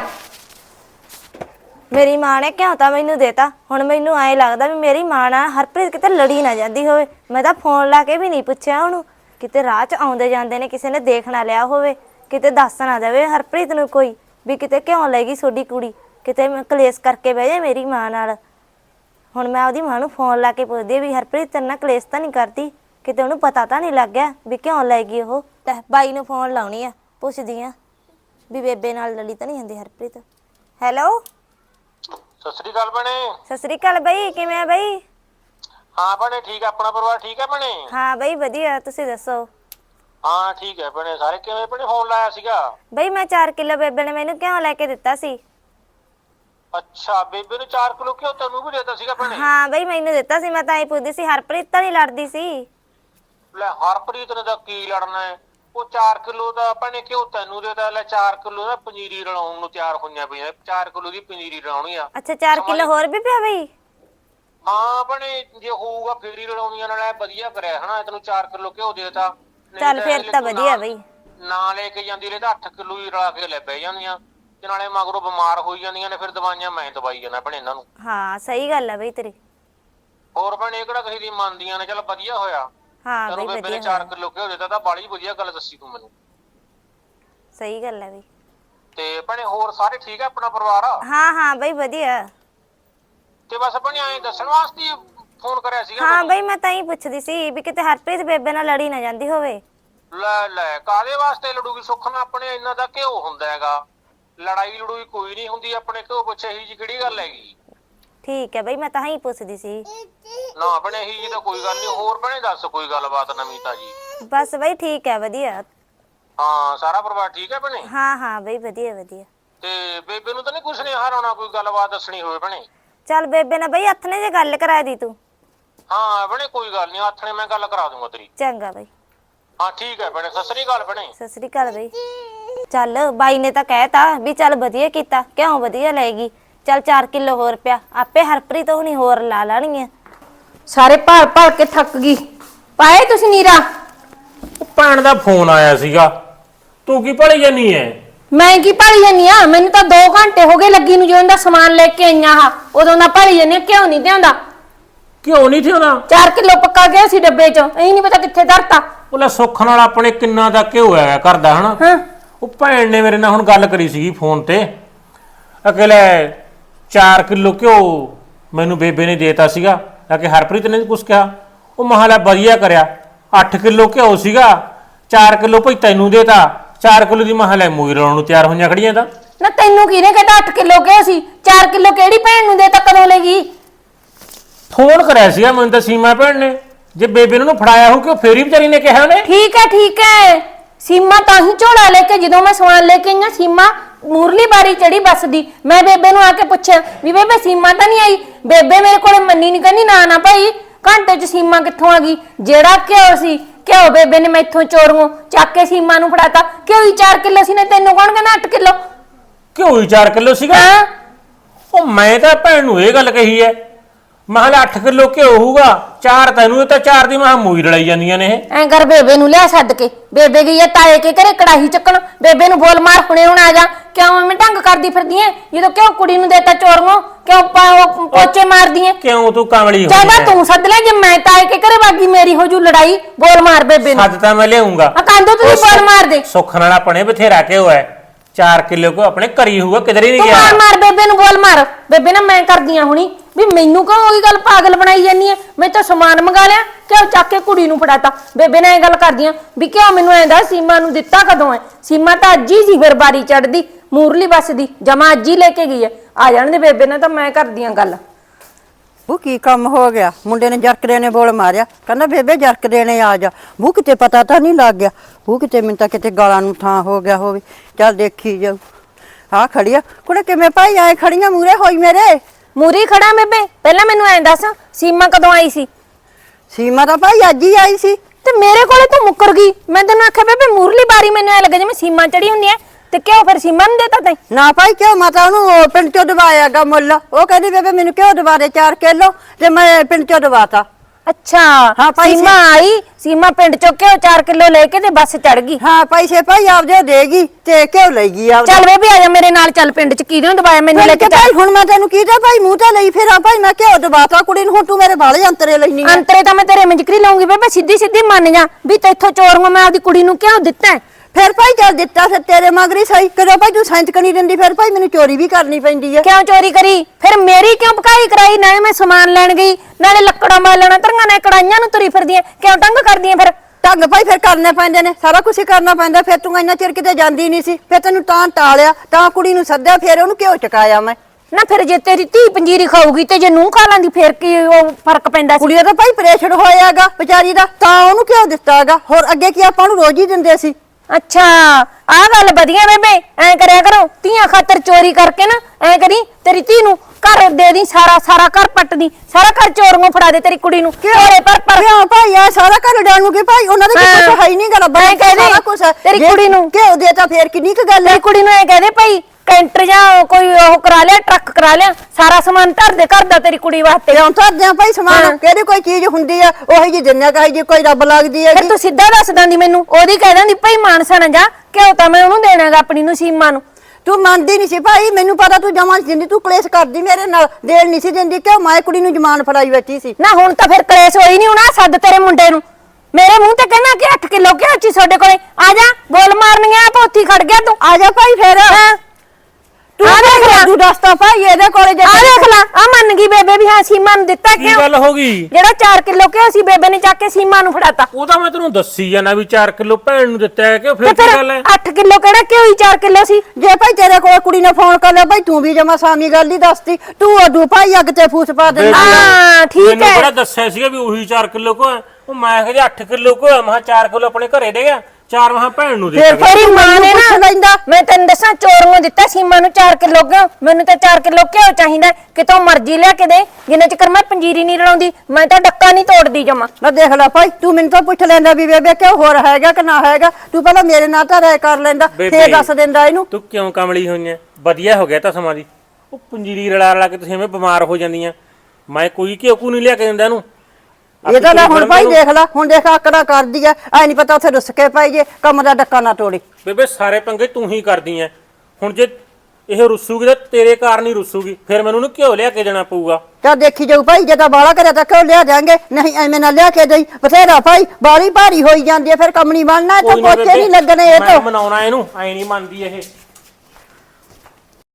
C: ਮੇਰੀ ਮਾਂ ਨੇ ਕਿਉਂ ਤਾਂ ਮੈਨੂੰ ਦੇਤਾ ਹੁਣ ਮੈਨੂੰ ਐਂ ਲੱਗਦਾ ਵੀ ਮੇਰੀ ਮਾਂ ਨਾਲ ਹਰਪ੍ਰੀਤ ਕਿਤੇ ਲੜੀ ਨਾ ਜਾਂਦੀ ਹੋਵੇ ਮੈਂ ਤਾਂ ਫੋਨ ਲਾ ਕੇ ਵੀ ਨਹੀਂ ਪੁੱਛਿਆ ਉਹਨੂੰ ਕਿਤੇ ਰਾਹ 'ਚ ਆਉਂਦੇ ਜਾਂਦੇ ਨੇ ਕਿਸੇ ਨੇ ਦੇਖ ਨਾ ਲਿਆ ਹੋਵੇ ਕਿਤੇ ਦੱਸ ਨਾ ਦੇਵੇ ਹਰਪ੍ਰੀਤ ਨੂੰ ਕੋਈ ਵੀ ਕਿਤੇ ਕਿਉਂ ਲੈ ਗਈ ਤੁਹਾਡੀ ਕੁੜੀ ਕਿਤੇ ਮੈਂ ਕਲੇਸ਼ ਕਰਕੇ ਬਹਿ ਜਾ ਮੇਰੀ ਮਾਂ ਨਾਲ ਹੁਣ ਮੈਂ ਉਹਦੀ ਮਾਂ ਨੂੰ ਫੋਨ ਲਾ ਕੇ ਪੁੱਛਦੀ ਵੀ ਹਰਪ੍ਰੀਤ ਤੇਰੇ ਨਾਲ ਕਲੇਸ਼ ਤਾਂ ਨਹੀਂ ਕਰਦੀ ਕਿਤੇ ਉਹਨੂੰ ਪਤਾ ਤਾਂ ਨਹੀਂ ਲੱਗ ਗਿਆ ਵੀ ਕਿਉਂ ਲੈ ਗਈ ਉਹ ਤੇ ਬਾਈ ਨੂੰ ਫੋਨ ਲਾਉਣੀ ਆ ਪੁੱਛਦੀ ਆ ਵੀ ਬੇਬੇ ਨਾਲ ਲੜੀ ਤਾਂ ਨਹੀਂ ਜਾਂਦੀ ਹਰਪ੍ਰੀਤ ਹੈਲੋ
D: ਸਤਿ ਸ੍ਰੀ ਅਕਾਲ ਭੈਣੇ
C: ਸਤਿ ਸ੍ਰੀ ਅਕਾਲ ਬਈ ਕਿਵੇਂ ਆ ਬਈ
D: ਹਾਂ ਭੈਣੇ ਠੀਕ ਆ ਆਪਣਾ ਪਰਿਵਾਰ ਠੀਕ ਹੈ ਭੈਣੇ
C: ਹਾਂ ਬਈ ਵਧੀਆ ਤੁਸੀਂ ਦੱਸੋ
D: ਹਾਂ ਠੀਕ ਹੈ ਭੈਣੇ ਸਾਰੇ ਕਿਵੇਂ ਭੈਣੇ ਫੋਨ ਲਾਇਆ ਸੀਗਾ
C: ਬਈ ਮੈਂ ਚਾਰ ਕਿਲੋ ਬੇਬੇ ਨੇ ਮੈਨੂੰ ਕਿਉਂ ਲੈ ਕੇ ਦਿੱਤਾ ਸੀ
D: ਅੱਛਾ ਬੇਬੇ ਨੂੰ ਚਾਰ ਕਿਲੋ ਕਿਉਂ ਤੈਨੂੰ ਵੀ ਦੇਤਾ ਸੀਗਾ ਭੈਣੇ
C: ਹਾਂ ਬਈ ਮੈਨੂੰ ਦਿੱਤਾ ਸੀ ਮੈਂ ਤਾਂ ਐਂ ਪੁੱਛਦੀ ਸੀ ਹਰਪ੍ਰੀਤ ਤਾਂ ਨਹੀਂ ਲੜਦੀ ਸੀ
D: ਲੈ ਹਰਪ੍ਰੀਤ ਨੇ ਤਾਂ ਕੀ ਲੜਨਾ ਹੈ ਉਹ ਚਾਰ ਕਿਲੋ ਦਾ ਭੈਣੇ ਕਿਉਂ ਤੈਨੂੰ ਦੇਤਾ ਲੈ ਚਾਰ ਕਿਲੋ ਦਾ ਪਨੀਰੀ ਰਲਾਉਣ ਨੂੰ ਤਿਆਰ ਹੋਈਆਂ ਪਈਆਂ ਚਾਰ ਕਿਲੋ ਦੀ ਪਨੀਰੀ ਰਲਾਉਣੀ ਆ
C: ਅੱਛਾ ਚਾਰ ਕਿਲੋ ਹੋਰ ਵੀ ਪਿਆ ਬਈ
D: ਹਾਂ ਭੈਣੇ ਜੇ ਹੋਊਗਾ ਫੇਰ ਹੀ ਰਲਾਉਣੀਆਂ ਨਾਲ ਐ ਵਧੀਆ ਕਰਿਆ ਹਨਾ ਤੈਨੂੰ ਚਾਰ ਕਿਲੋ ਘਿਓ ਦੇਤਾ
C: ਚੱਲ ਫੇਰ ਤਾਂ ਵਧੀਆ ਬਈ
D: ਨਾ ਲੈ ਕੇ ਜਾਂਦੀ ਲੈ ਤਾਂ ਅੱਠ ਕਿਲੋ ਹੀ ਰਲਾ ਕੇ ਲੈ ਬਹਿ ਜਾਂਦੀਆਂ ਤੇ ਨਾਲੇ ਮਗਰੋਂ ਬਿਮਾਰ ਹੋਈ ਜਾਂਦੀਆਂ ਨੇ ਫਿਰ ਦਵਾਈਆਂ ਮੈਂ ਦਵਾਈ ਜਾਣਾ ਭੈਣੇ ਇਹਨਾਂ ਨੂੰ
C: ਹਾਂ ਸਹੀ ਗੱਲ ਆ ਬਈ ਤੇਰੀ
D: ਹੋਰ ਭੈਣੇ ਇਹ ਕਿਹੜਾ ਕਿਸੇ ਦੀ ਮੰਨਦੀਆਂ ਨੇ ਚੱਲ ਵਧੀਆ ਹੋਇਆ
C: ਹਾਂ ਬਈ
D: ਤੈਨੂੰ ਬੇਬੇ ਨੇ
C: ਵਧੀਆ
D: ਚਾਰ ਕਿਲੋ ਘਿਓ ਦਿੱਤਾ ਤਾਂ ਬਾਲੀ ਵਧੀਆ ਗੱਲ ਦੱਸੀ ਤੂੰ ਮੈਨੂੰ
C: ਸਹੀ ਗੱਲ ਆ ਬਈ
D: ਤੇ ਭੈਣੇ ਹੋਰ ਸਾਰੇ ਠੀਕ ਆ ਆਪਣਾ ਪਰਿਵਾਰ
C: ਹਾਂ ਹਾਂ ਬਈ ਵਧੀਆ
D: ਤੇ ਬਸ ਭੈਣੇ ਐਂ ਦੱਸਣ ਵਾਸਤੇ ਫੋਨ ਕਰਿਆ ਸੀਗਾ
C: ਹਾਂ ਬਈ ਮੈਂ ਤਾਂ ਹੀ ਪੁੱਛਦੀ ਸੀ ਵੀ ਕਿਤੇ ਹਰਪ੍ਰੀਤ ਬੇਬੇ ਨਾਲ ਲੜੀ ਨਾ ਜਾਂਦੀ ਹੋਵੇ
D: ਲੈ ਲੈ ਕਾਦੇ ਵਾਸਤੇ ਲੜੂਗੀ ਸੁੱਖ ਨਾਲ ਆਪਣੇ ਇੰਨਾ ਦਾ ਘਿਓ ਹੁੰਦਾ ਹੈਗਾ ਲੜਾਈ ਲੜੂਈ ਕੋਈ ਨਹੀਂ ਹੁੰਦੀ ਆਪਣੇ ਘਿਓ ਪੁੱਛੇ ਇਹੀ ਜੀ ਕਿਹੜੀ ਗੱਲ ਹੈਗੀ
C: ਠੀਕ ਹੈ ਬਈ ਮੈਂ ਤਾਂ ਹੀ ਪੁੱਛਦੀ ਸੀ
D: ਨਾ ਆਪਣੇ ਇਹੀ ਜੀ ਤਾਂ ਕੋਈ ਗੱਲ ਨਹੀਂ ਹੋਰ ਭੈਣੇ ਦੱਸ ਕੋਈ ਗੱਲਬਾਤ ਨਵੀਂ ਤਾਜੀ
C: ਬਸ ਬਈ ਠੀਕ ਹੈ ਵਧੀਆ
D: ਹਾਂ ਸਾਰਾ ਪਰਿਵਾਰ ਠੀਕ ਹੈ ਭੈਣੇ?
C: ਹਾਂ ਹਾਂ ਬਈ ਵਧੀਆ ਵਧੀਆ।
D: ਤੇ ਬੇਬੇ ਨੂੰ ਤਾਂ ਨਹੀਂ ਕੁਛ ਨਹੀਂ ਹਾਰਾਉਣਾ, ਕੋਈ ਗੱਲਬਾਤ ਦੱਸਣੀ ਹੋਵੇ ਭੈਣੇ?
C: ਚੱਲ ਬੇਬੇ ਨਾਲ ਬਈ ਹੱਥ ਨੇ ਜੇ ਗੱਲ ਕਰਾ ਦੀ ਤੂੰ।
D: ਹਾਂ ਭੈਣੇ ਕੋਈ ਗੱਲ ਨਹੀਂ, ਹੱਥ ਨੇ ਮੈਂ ਗੱਲ ਕਰਾ ਦੂੰਗਾ ਤੇਰੀ।
C: ਚੰਗਾ ਬਈ।
D: ਹਾਂ ਠੀਕ ਹੈ ਭੈਣੇ, ਸਤਿ ਸ੍ਰੀ ਅਕਾਲ ਭੈਣੇ।
C: ਸਤਿ ਸ੍ਰੀ ਅਕਾਲ ਬਈ। ਚੱਲ ਬਾਈ ਨੇ ਤਾਂ ਕਹਿਤਾ ਵੀ ਚੱਲ ਵਧੀਆ ਕੀਤਾ, ਕਿਉਂ ਵਧੀਆ ਲੈਗੀ। ਚੱਲ ਚਾਰ ਕਿਲੋ ਹੋਰ ਪਿਆ, ਆਪੇ ਹਰਪ੍ਰੀਤ ਹੁਣੀ ਹੋਰ ਲਾ ਲੈਣਗੀਆਂ।
A: ਸਾਰੇ ਭਾਲ ਭਾਲ ਕੇ ਥੱਕ ਗਈ। ਪਾਏ ਤੁਸੀਂ ਨੀਰਾ?
D: ਉਹ ਭੈਣ ਦਾ ਫੋਨ ਆਇਆ ਸੀਗਾ, ਤੂੰ ਕੀ ਭਲੀ ਜਾਨੀ ਐ?
A: ਮੈਂ ਕੀ ਭਾਲੀ ਜਾਨੀ ਆ? ਮੈਨੂੰ ਤਾਂ ਦੋ ਘੰਟੇ ਹੋ ਗਏ ਲੱਗੀ ਨੂੰ, ਜਦੋਂ ਦਾ ਸਮਾਨ ਲੈ ਕੇ ਆਈਆਂ ਹਾਂ ਉਦੋਂ ਦਾ ਭਾਲੀ ਜਾਨੀ ਆ। ਕਿਉਂ ਨਹੀਂ ਧਿਆਉਂਦਾ?
D: ਕਿਉਂ ਨਹੀਂ ਥਿਉਂਦਾ?
A: ਚਾਰ ਕਿਲੋ ਪੱਕਾ ਗਿਆ ਸੀ ਡੱਬੇ 'ਚ, ਐ ਨਹੀਂ ਪਤਾ ਕਿੱਥੇ ਧਰਤਾ।
D: ਉਹਲਾ ਸੁੱਖ ਨਾਲ ਆਪਣੇ ਕਿੰਨਾ ਦਾ ਘਿਓ ਆਇਆ ਕਰਦਾ ਹਨਾ।
A: ਹਾਂ
D: ਉਹ ਭੈਣ ਨੇ ਮੇਰੇ ਨਾਲ ਹੁਣ ਗੱਲ ਕਰੀ ਸੀਗੀ ਫੋਨ ਤੇ, ਅਕਲੇ ਚਾਰ ਕਿਲੋ ਘਿਓ ਮੈਨੂੰ ਬੇਬੇ ਨੇ ਦੇਤਾ ਸੀਗਾ, ਕਿ ਹਰਪ੍ਰੀਤ ਨੇ ਕੁਛ ਕਿਹਾ। ਉਹ ਮਹਾਲਾ ਵਧੀਆ ਕਰਿਆ, ਅੱਠ ਕਿਲੋ ਘਿਓ ਸੀਗਾ, ਚਾਰ ਕਿਲੋ ਭਾਈ ਤੈਨੂੰ ਦੇਤਾ, ਚਾਰ ਕਿਲੋ ਦੀ ਮਹਾਲਾ ਮੂਈ ਰਲਾਉਣ ਨੂੰ ਤਿਆਰ ਹੋਈਆਂ ਖੜੀਆਂ ਤਾਂ।
A: ਨਾ ਤੈਨੂੰ ਕਿਹਨੇ ਕਹਿੰਦਾ ਅੱਠ ਕਿਲੋ ਗਿਆ ਸੀ? ਚਾਰ ਕਿਲੋ ਕਿਹੜੀ ਭੈਣ ਨੂੰ ਦੇਤਾ, ਕਦੋਂ ਲੈ ਗਈ?
D: ਫੋਨ ਕਰਿਆ ਸੀਗਾ ਮੈਨੂੰ ਤਾਂ ਸੀਮਾ ਭੈਣ ਨੇ, ਜੇ ਬੇਬੇ ਨੂੰ ਫੜਾਇਆ ਹੋ ਕਿ ਉਹ ਫੇਰੀ ਵਿਚਾਰੀ ਨੇ ਕਿਹਾ ਉਹਨੇ।
A: ਠੀਕ ਹੈ ਠੀਕ ਹੈ, ਸੀਮਾ ਤਾਂ ਹੀ ਝੋਲਾ ਲੈ ਕੇ ਜਦੋਂ ਮੈਂ ਸਮਾਨ ਲੈ ਕੇ ਆਈਆਂ, ਸੀਮਾ ਮੂਰਲੀ ਬਾਰੀ ਚੜੀ ਬੱਸ ਦੀ। ਮੈਂ ਬੇਬੇ ਨੂੰ ਆ ਕੇ ਪੁੱਛਿਆ ਵੀ ਬੇਬੇ ਸੀਮਾ ਤਾਂ ਨਹੀਂ ਆਈ? ਬੇਬੇ ਮੇਰੇ ਕੋਲੇ ਮੰਨੀ ਨਹੀਂ, ਕਹਿੰਦੀ ਨਾ ਨਾ ਭਾਈ ਘੰਟੇ 'ਚ ਸੀਮਾ ਕਿੱਥੋਂ ਆ ਗਈ। ਜਿਹੜਾ ਘਿਓ ਸੀ, ਘਿਓ ਬੇਬੇ ਨੇ ਮੈਥੋਂ ਚੋਰੀਆਂ ਚੱਕ ਕੇ ਸੀਮਾ ਨੂੰ ਫੜਾਤਾ। ਘਿਓ ਹੀ ਚਾਰ ਕਿਲੋ ਸੀ ਨੇ, ਤੈਨੂੰ ਕੌਣ ਕਹਿੰਦਾ ਅੱਠ ਕਿਲੋ?
D: ਘਿਓ ਹੀ ਚਾਰ ਕਿਲੋ ਸੀਗਾ?
A: ਹਾਂ
D: ਉਹ ਮੈਂ ਤਾਂ ਭੈਣ ਨੂੰ ਇਹ ਗੱਲ ਕਹੀ ਐ, ਮਹਾਲਾ ਅੱਠ ਕਿਲੋ ਘਿਓ ਹੋਊਗਾ, ਚਾਰ ਤੈਨੂੰ, ਇਹ ਤਾਂ ਚਾਰ ਦੀ ਮਹਾ ਮੂਈ ਰਲਾਈ ਜਾਂਦੀਆਂ ਨੇ ਇਹ।
A: ਐਂ ਕਰ ਬੇਬੇ ਨੂੰ ਲਿਆ ਸੱਦ ਕੇ, ਬੇਬੇ ਗਈ ਆ ਤਾਏ ਕੇ ਘਰੇ ਕੜਾਹੀ ਚੱਕਣ। ਬੇਬੇ ਨੂੰ ਬੋਲ ਮਾਰ ਹੁਣੇ ਹੁਣ ਆ ਜਾ। ਕਿਉਂ ਐਵੇਂ ਢੰਗ ਕਰਦੀ ਫਿਰਦੀ ਐ? ਜਦੋਂ ਕਿਉਂ ਕੁੜੀ ਨੂੰ ਦੇਤਾ ਚੋਰੀਆਂ, ਕਿਉਂ ਪਾ- ਉਹ ਪੋਚੇ ਮਾਰਦੀ ਐ?
D: ਕਿਉਂ ਤੂੰ ਕਾਮਲੀ ਹੋ
A: ਚਾਹਦਾ
D: ਗਈ?
A: ਤੂੰ ਸੱਦ ਲੈ, ਜੇ ਮੈਂ ਤਾਏ ਕੇ ਘਰੇ ਬਾਗੀ ਮੇਰੀ ਹੋ ਜੂ ਲੜਾਈ। ਬੋਲ ਮਾਰ ਬੇਬੇ ਨੂੰ।
D: ਸੱਦ ਤਾਂ ਮੈਂ ਲਿਆਉਂਗਾ।
A: ਆ ਕਾਂਦੋ ਤੁਸੀਂ ਬੋਲ ਮਾਰ ਦੇ।
D: ਸੁੱਖ ਨਾਲ ਆਪਣੇ ਬਥੇਰਾ ਘਿਓ ਐ, ਚਾਰ ਕਿਲੋ ਕੋ ਆਪਣੇ ਘਰੀ ਹੋਊਗਾ, ਕਿਧਰੇ ਨਹੀਂ
A: ਤੂੰ
D: ਗਿਆ।
A: ਮਾਰ ਮਾਰ ਬੇਬੇ ਨੂੰ ਬੋਲ ਮਾਰ। ਬੇਬੇ ਨਾ ਮੈਂ ਕਰਦੀ ਆ ਹੁਣੀ ਵੀ ਮੈਨੂੰ ਕਿਉਂ ਉਹੀ ਗੱਲ ਪਾਗਲ ਬਣਾਈ ਜਾਨੀ ਐ? ਮੈਂ ਤਾਂ ਸਮਾਨ ਮੰਗਾ ਲਿਆ, ਕਿਉਂ ਚੱਕ ਕੇ ਕੁੜੀ ਨੂੰ ਫੜਾਤਾ। ਬੇਬੇ ਨੇ ਇਹ ਗੱਲ ਕਰਦੀ ਆ ਵੀ ਕਿਉਂ ਮੈਨੂੰ ਐਂਦਾ ਸੀਮਾ ਨੂੰ ਦਿੱਤਾ ਕਦੋਂ ਐ? ਸੀਮਾ ਤਾਂ ਅੱਜ ਹੀ ਸੀ ਫਿਰ ਬਾਰੀ ਚੜਦੀ ਮੂਰਲੀ ਬੱਸ ਦੀ, ਜਮਾ ਅੱਜ ਹੀ ਲੈ ਕੇ ਗਈ ਐ। ਆ ਜਾਣ ਦੇ ਬੇਬੇ ਨੇ, ਤਾਂ ਮੈਂ ਕਰਦੀ ਆ ਗੱਲ।
B: ਉਹ ਕੀ ਕੰਮ ਹੋ ਗਿਆ? ਮੁੰਡੇ ਨੇ ਜਰਕਦੇ ਨੇ ਬੋਲ ਮਾਰਿਆ, ਕਹਿੰਦਾ ਬੇਬੇ ਜਰਕ ਦੇਣੇ ਆ ਜਾ। ਬੂ ਕਿਤੇ ਪਤਾ ਤਾਂ ਨਹੀਂ ਲੱਗ ਗਿਆ? ਬੂ ਕਿਤੇ ਮੈਨੂੰ ਤਾਂ ਕਿਤੇ ਗਾਲਾਂ ਨੂੰ ਥਾਂ ਹੋ ਗਿਆ ਹੋਵੇ। ਚੱਲ ਦੇਖੀ ਜਾਊ। ਹਾਂ ਖੜੀਆ ਕੁੜੇ, ਕਿਵੇਂ ਭਾਈ ਆਏ ਖੜੀਆਂ ਮੂਰੇ ਹੋਈ ਮੇਰੇ?
A: ਮੂਰੀ ਖੜਾ ਬੇਬੇ, ਪਹਿਲਾਂ ਮੈਨੂੰ ਐਂ ਦੱਸ ਸੀਮਾ ਕਦੋਂ ਆਈ ਸੀ?
B: ਸੀਮਾ ਤਾਂ ਭਾਈ ਅੱਜ ਹੀ ਆਈ ਸੀ।
A: ਤੇ ਮੇਰੇ ਕੋਲੇ ਤੂੰ ਮੁੱਕਰ ਗਈ। ਮੈਂ ਤੈਨੂੰ ਆਖਿਆ ਬੇਬੇ ਮੂਰਲੀ ਬਾਰੀ ਮੈਨੂੰ ਐ ਲੱਗਾ ਜਿਵੇਂ ਸੀਮਾ ਚੜੀ ਹੁੰਦੀ ਐ, ਤੇ ਕਿਉਂ ਫਿਰ ਸੀਮਾ ਨੂੰ ਦੇਤਾ ਤੈਂ?
B: ਨਾ ਭਾਈ ਕਿਉਂ, ਮਾਤਾ ਉਹਨੂੰ ਪਿੰਡ ਚੋਂ ਦਵਾਇਆਗਾ ਮੁੱਲ। ਉਹ ਕਹਿੰਦੀ ਬੇਬੇ ਮੈਨੂੰ ਕਿਉਂ ਦਵਾ ਦੇ ਚਾਰ ਕਿਲੋ, ਤੇ ਮੈਂ ਪਿੰਡ ਚੋਂ ਦਵਾਤਾ।
A: ਅੱਛਾ
B: ਹਾਂ ਭਾਈ
A: ਸੀਮਾ ਆਈ, ਸੀਮਾ ਪਿੰਡ ਚੋਂ ਘਿਓ ਚਾਰ ਕਿਲੋ ਲੈ ਕੇ ਤੇ ਬੱਸ ਚੜ ਗਈ।
B: ਹਾਂ ਪੈਸੇ ਭਾਈ ਆਪਦੇ ਉਹ ਦੇਗੀ ਤੇ ਕਿਉਂ ਲੈ ਗਈ ਆਪਦੇ।
A: ਚੱਲ ਬੇਬੇ ਆ ਜਾ ਮੇਰੇ ਨਾਲ, ਚੱਲ ਪਿੰਡ ਚ ਕਿਹਨੂੰ ਦਵਾਇਆ ਮੈਨੂੰ ਲੈ ਕੇ ਚੱਲ।
B: ਭਾਈ ਹੁਣ ਮੈਂ ਤੈਨੂੰ ਕੀਤਾ ਭਾਈ ਮੂੰਹ ਤਾਂ ਲਈ ਫਿਰਾਂ ਭਾਈ, ਮੈਂ ਕਿਉਂ ਦਵਾਤਾ ਕੁੜੀ ਨੂੰ। ਹੁਣ ਤੂੰ ਮੇਰੇ ਬਾਲੇ ਅੰਤਰੇ ਲੈਣੀ ਆ।
A: ਅੰਤਰੇ ਤਾਂ ਮੈਂ ਤੇਰੇ ਮਿੰਜਕਰੀ ਲਾਉਂਗੀ ਬੇਬੇ, ਸਿੱਧੀ ਸਿੱਧੀ ਮੰਨ ਜਾ ਵੀ ਤੈਥੋਂ ਚੋਰੀਆਂ ਮੈਂ ਆਪਦੀ ਕੁੜੀ ਨੂੰ ਕਿਉਂ ਦਿੱਤਾ?
B: ਫਿਰ ਭਾਈ ਚੱਲ ਦਿੱਤਾ ਫਿਰ ਤੇਰੇ ਮਗਰੀ ਸਹੀ ਕਦੋਂ ਭਾਈ ਤੂੰ ਸਾਇੰਸ ਕਣੀ ਦਿੰਦੀ, ਫਿਰ ਭਾਈ ਮੈਨੂੰ ਚੋਰੀ ਵੀ ਕਰਨੀ ਪੈਂਦੀ ਹੈ।
A: ਕਿਉਂ ਚੋਰੀ ਕਰੀ? ਫਿਰ ਮੇਰੀ ਕਿਉਂ ਪਕਾਈ ਕਰਾਈ? ਨਾਲੇ ਮੈਂ ਸਮਾਨ ਲੈਣ ਗਈ, ਨਾਲੇ ਲੱਕੜਾਂ ਮਾਲਣਾ ਧਰੀਆਂ ਨੇ, ਕੜਾਈਆਂ ਨੂੰ ਤੁਰੀ ਫਿਰਦੀਆਂ, ਕਿਉਂ ਟੰਗ ਕਰਦੀਆਂ ਫਿਰ?
B: ਢੰਗ ਭਾਈ ਫਿਰ ਕਰਨੇ ਪੈਂਦੇ ਨੇ, ਸਾਰਾ ਕੁਝ ਕਰਨਾ ਪੈਂਦਾ। ਫਿਰ ਤੂੰ ਇੰਨਾ ਚਿਰ ਕਿਤੇ ਜਾਂਦੀ ਨਹੀਂ ਸੀ, ਫਿਰ ਤੈਨੂੰ ਤਾਂ ਟਾਲਿਆ, ਤਾਂ ਕੁੜੀ ਨੂੰ ਸੱਦਿਆ, ਫਿਰ ਉਹਨੂੰ ਕਿਉਂ ਚਕਾਇਆ ਮੈਂ।
A: ਨਾ ਫਿਰ ਜੇ ਤੇਰੀ ਧੀ ਪੰਜੀਰੀ ਖਾਊਗੀ ਤੇ ਜੇ ਨੂੰਹ ਖਾ ਲਾਂਦੀ ਫਿਰ ਕੀ ਉਹ ਫਰਕ ਪੈਂਦਾ ਸੀ?
B: ਕੁੜੀ ਦਾ ਭਾਈ ਪ੍ਰੇਸ਼ਰ ਹੋਇਆਗਾ ਵਿਚਾਰੀ ਦਾ, ਤਾਂ ਉਹਨੂੰ ਕਿਉਂ ਦਿੱਤਾਗਾ। ਹੋਰ ਅੱਗੇ ਕੀ ਆਪਾਂ ਨੂੰ ਰੋਜ਼ ਹੀ ਦਿੰਦੇ ਸੀ।
A: ਅੱਛਾ ਆਹ ਗੱਲ ਵਧੀਆ ਬੇਬੇ, ਐ ਕਰਿਆ ਕਰੋ ਧੀਆਂ ਖਾਤਰ ਚੋਰੀ ਕਰਕੇ ਨਾ, ਐ ਕਰੀ ਤੇਰੀ ਧੀ ਨੂੰ ਘਰ ਦੇ ਦੀ, ਸਾਰਾ ਸਾਰਾ ਘਰ ਪੱਟ ਦੀ, ਸਾਰਾ ਘਰ ਚੋਰੀਆਂ ਫੜਾ ਦੇ ਤੇਰੀ ਕੁੜੀ ਨੂੰ। ਘਰੇ ਪਰ ਪਰ
B: ਕਿਉਂ ਭਾਈ ਆ ਸਾਰਾ ਘਰ ਡਾਣੂਗੇ ਭਾਈ, ਉਹਨਾਂ ਦੇ
A: ਹਾਂ।
B: ਕੁਝ ਹੈ ਹੀ ਨਹੀਂ ਗਾ।
A: ਮੈਂ ਕਹਿ ਦੇ,
B: ਸਾਰਾ ਕੁਝ
A: ਤੇਰੀ ਕੁੜੀ ਨੂੰ
B: ਕਿਉਂ ਦੇਤਾ, ਫੇਰ ਕਿੰਨੀ ਕੁ ਗੱਲ ਹੈ।
A: ਤੇਰੀ ਕੁੜੀ ਨੂੰ ਐ ਕਹਦੇ ਭਾਈ ਕੈਂਟਰ ਜਾਂ ਕੋਈ ਉਹ ਕਰਾ ਲਿਆ, ਟਰੱਕ ਕਰਾ ਲਿਆ, ਸਾਰਾ ਸਮਾਨ ਧਰ ਦੇ ਘਰ ਦਾ ਤੇਰੀ ਕੁੜੀ ਵਾਸਤੇ।
B: ਕਿਉਂ ਧਰਦੇ ਆ ਭਾਈ
A: ਹਾਂ।
B: ਸਮਾਨ, ਕਿਹੜੀ ਕੋਈ ਚੀਜ਼ ਹੁੰਦੀ ਆ ਉਹੀ ਜੀ ਦਿੰਨੇ ਕਹੀ ਜੀ ਕੋਈ ਰੱਬ ਲੱਗਦੀ ਹੈ।
A: ਫਿਰ ਤੂੰ ਸਿੱਧਾ ਦੱਸ ਦਿੰਦੀ ਮੈਨੂੰ, ਉਹਦੀ ਕਹਿ ਦਿੰਦੀ ਭਾਈ ਮਾਨਸਾ ਨਾ ਜਾ, ਕਿਉਂ ਤਾਂ ਮੈਂ ਉਹਨੂੰ ਦੇਣਾਗਾ ਆਪਣੀ ਨੂੰ, ਸੀਮਾ ਨੂੰ।
B: ਤੂੰ ਮੰਨਦੀ ਨਹੀਂ ਸੀ ਭਾਈ, ਮੈਨੂੰ ਪਤਾ ਤੂੰ ਜਮਾਂ ਨੀ ਦਿੰਦੀ, ਤੂੰ ਕਲੇਸ਼ ਕਰਦੀ ਮੇਰੇ ਨਾਲ, ਦੇਣ ਨਹੀਂ ਸੀ ਦਿੰਦੀ। ਕਿਉਂ ਮੈਂ ਕੁੜੀ ਨੂੰ ਜਮਾਨ ਫੜਾਈ ਬੈਠੀ ਸੀ।
A: ਨਾ ਹੁਣ ਤਾਂ ਫਿਰ ਕਲੇਸ਼ ਹੋਈ ਨਹੀਂ, ਹੁਣ ਆਹ ਸੱਦ ਤੇਰੇ ਮੁੰਡੇ ਨੂੰ। ਮੇਰੇ ਮੂੰਹ ਤੇ ਕਹਿਣਾ ਕਿ ਅੱਠ ਕਿਲੋ ਘਿਓ ਚੀ ਤੁਹਾਡੇ ਕੋਲੇ, ਆ ਜਾ ਬੋਲ ਮਾਰਨੀਆਂ, ਆਪ ਉੱਥੇ ਖੜ ਗਿਆ ਤੂੰ।
B: ਆ ਜਾ ਭਾਈ ਫੇਰ ਤੂੰ
A: ਆ ਦੇਖ ਲੈ,
B: ਤੂੰ ਦੱਸਦਾ ਭਾਈ ਇਹਦੇ ਕੋਲੇ ਜੇ
A: ਆ ਦੇਖ ਲੈ, ਆ ਮੰਨ ਗਈ ਬੇਬੇ ਵੀ ਹਾਂ ਸੀਮਾ ਨੂੰ ਦਿੱਤਾ
D: ਕੀ
A: ਕਿਉਂ?
D: ਗੱਲ ਹੋ ਗਈ?
A: ਜਿਹੜਾ ਚਾਰ ਕਿਲੋ ਘਿਓ ਸੀ ਬੇਬੇ ਨੇ ਚੱਕ ਕੇ ਸੀਮਾ ਨੂੰ ਫੜਾਤਾ।
D: ਉਹ ਤਾਂ ਮੈਂ ਤੈਨੂੰ ਦੱਸੀ ਜਾਣਾ ਵੀ ਚਾਰ ਕਿਲੋ ਭੈਣ ਨੂੰ ਦਿੱਤਾ ਹੈ, ਕਿ
A: ਤੇ
D: ਫਿਰ ਕੀ
A: ਫਿਰ
D: ਗੱਲ ਹੈ?
A: ਅੱਠ ਕਿਲੋ ਕਿਹੜਾ ਘਿਓ ਹੀ ਚਾਰ ਕਿਲੋ ਸੀ?
B: ਜੇ ਭਾਈ ਤੇਰੇ ਕੋਲ ਕੁੜੀ ਨੇ ਫੋਨ ਕਰ ਲਿਆ ਭਾਈ, ਤੂੰ ਵੀ ਜਮਾ ਸਾਮੀ ਗੱਲ ਹੀ ਦੱਸਦੀ, ਤੂੰ ਉਦੋਂ ਭਾਈ ਅੱਗ ਤੇ ਫੂਸ ਪਾ ਦਿੰਦੀ।
A: ਹਾਂ ਠੀਕ
D: ਮੈਨੂੰ
A: ਹੈ।
D: ਬੜਾ ਦੱਸਿਆ ਸੀਗਾ ਵੀ ਉਹੀ ਚਾਰ ਕਿਲੋ ਕੋ ਹੈ। ਉਹ ਮੈਂ ਕਿਹਾ ਜੀ ਅੱਠ ਕਿਲੋ ਕੋ ਹੈ, ਮੈਂ ਕਿਹਾ ਚਾਰ ਕਿਲੋ ਆਪਣੇ ਘਰੇ ਦੇ ਗਿਆ, ਚਾਰ ਵਾਹਾਂ ਭੈਣ ਨੂੰ ਦੇ
B: ਫੇਰ
D: ਦਾਂਗੇ।
A: ਤੇਰੀ ਮਾਂ ਨੇ
B: ਪੁੱਛ
A: ਨਾ
B: ਲੈਂਦਾ।
A: ਮੈਂ ਤੈਨੂੰ ਦੱਸਾਂ ਚੋਰੀਆਂ ਦਿੱਤਾ ਸੀਮਾ ਨੂੰ ਚਾਰ ਕਿਲੋ ਘਿਓ, ਮੈਨੂੰ ਤਾਂ ਚਾਰ ਕਿਲੋ ਘਿਓ ਚਾਹੀਦਾ, ਕਿਤੋਂ ਮਰਜ਼ੀ ਲਿਆ ਕੇ ਦੇ, ਜਿੰਨੇ ਚਿਰ ਮੈਂ ਪੰਜੀਰੀ ਨਹੀਂ ਰਲਾਉਂਦੀ ਮੈਂ ਤਾਂ ਡੱਕਾ ਨਹੀਂ ਤੋੜਦੀ ਜਮਾ।
B: ਨਾ ਦੇਖ ਲੈ ਭਾਈ, ਤੂੰ ਮੈਨੂੰ ਤਾਂ ਪੁੱਛ ਲੈਂਦਾ ਵੀ ਬੇਬੇ ਕਿਉਂ ਹੋਰ ਹੈਗਾ ਕਿ ਨਾ ਹੈਗਾ, ਤੂੰ ਪਹਿਲਾਂ ਮੇਰੇ ਨਾਲ ਤਾਂ ਰਾਏ ਕਰ ਲੈਂਦਾ,
D: ਬੇਬੇ,
B: ਫੇਰ ਦੱਸ ਦਿੰਦਾ ਇਹਨੂੰ।
D: ਤੂੰ ਕਿਉਂ ਕਮਲੀ ਹੋਈ ਐ? ਵਧੀਆ ਹੋ ਗਿਆ ਤਾਂ ਸਮਾਂ ਦੀ। ਉਹ ਪੰਜੀਰੀ ਰਲਾ ਰਲਾ ਕੇ ਤੁਸੀਂ ਐਵੇਂ ਬਿਮਾਰ ਹੋ ਜਾਂਦੀਆਂ। ਮੈਂ ਕੋਈ ਘਿਓ ਕੂ ਨਹੀਂ ਲਿਆ ਕੇ ਦਿੰਦਾ ਇਹਨੂੰ।
B: ਇਹਦਾ ਨਾ ਹੁਣ ਭਾਈ ਦੇਖ ਲੈ, ਹੁਣ ਦੇਖ ਆਕੜਾ ਕਰਦੀ ਐ, ਐ ਨਹੀਂ ਪਤਾ ਉੱਥੇ ਰੁੱਸ ਕੇ ਪਾਈ ਜੇ, ਕੰਮ ਦਾ ਡੱਕਾ ਨਾ ਤੋੜੇ।
D: ਬੇਬੇ ਸਾਰੇ ਪੰਗੇ ਤੂੰ ਹੀ ਕਰਦੀ ਐ। ਹੁਣ ਜੇ ਇਹ ਰੁੱਸੂਗੀ ਤਾਂ ਤੇਰੇ ਕਾਰਨ ਹੀ ਰੁੱਸੂਗੀ, ਫਿਰ ਮੈਨੂੰ ਉਹਨੂੰ ਘਿਓ ਲਿਆ ਕੇ ਦੇਣਾ ਪਊਗਾ।
B: ਤਾਂ ਦੇਖੀ ਜਾਊ ਭਾਈ, ਜੇ ਤਾਂ ਬਾਲਾ ਕਰਿਆ ਤਾਂ ਕਿਉਂ ਲਿਆ ਜਾਾਂਗੇ, ਨਹੀਂ ਐਵੇਂ ਨਾ ਲਿਆ ਕੇ ਦੇਈ। ਬਥੇਰਾ ਭਾਈ ਬਾਲੀ ਭਾਰੀ ਹੋਈ ਜਾਂਦੀ ਐ, ਫਿਰ ਕੰਮ ਨਹੀਂ ਬਣਨਾ, ਇੱਥੇ
D: ਕੋਈ ਨਾ
B: ਪੋਚੇ
D: ਬੇਬੇ,
B: ਨਹੀਂ ਲੱਗਣੇ ਇਹ
D: ਮੈਂ
B: ਤੋਂ।
D: ਮਨਾਉਣਾ ਇਹਨੂੰ, ਐ ਨਹੀਂ ਮੰਨਦੀ ਇਹ।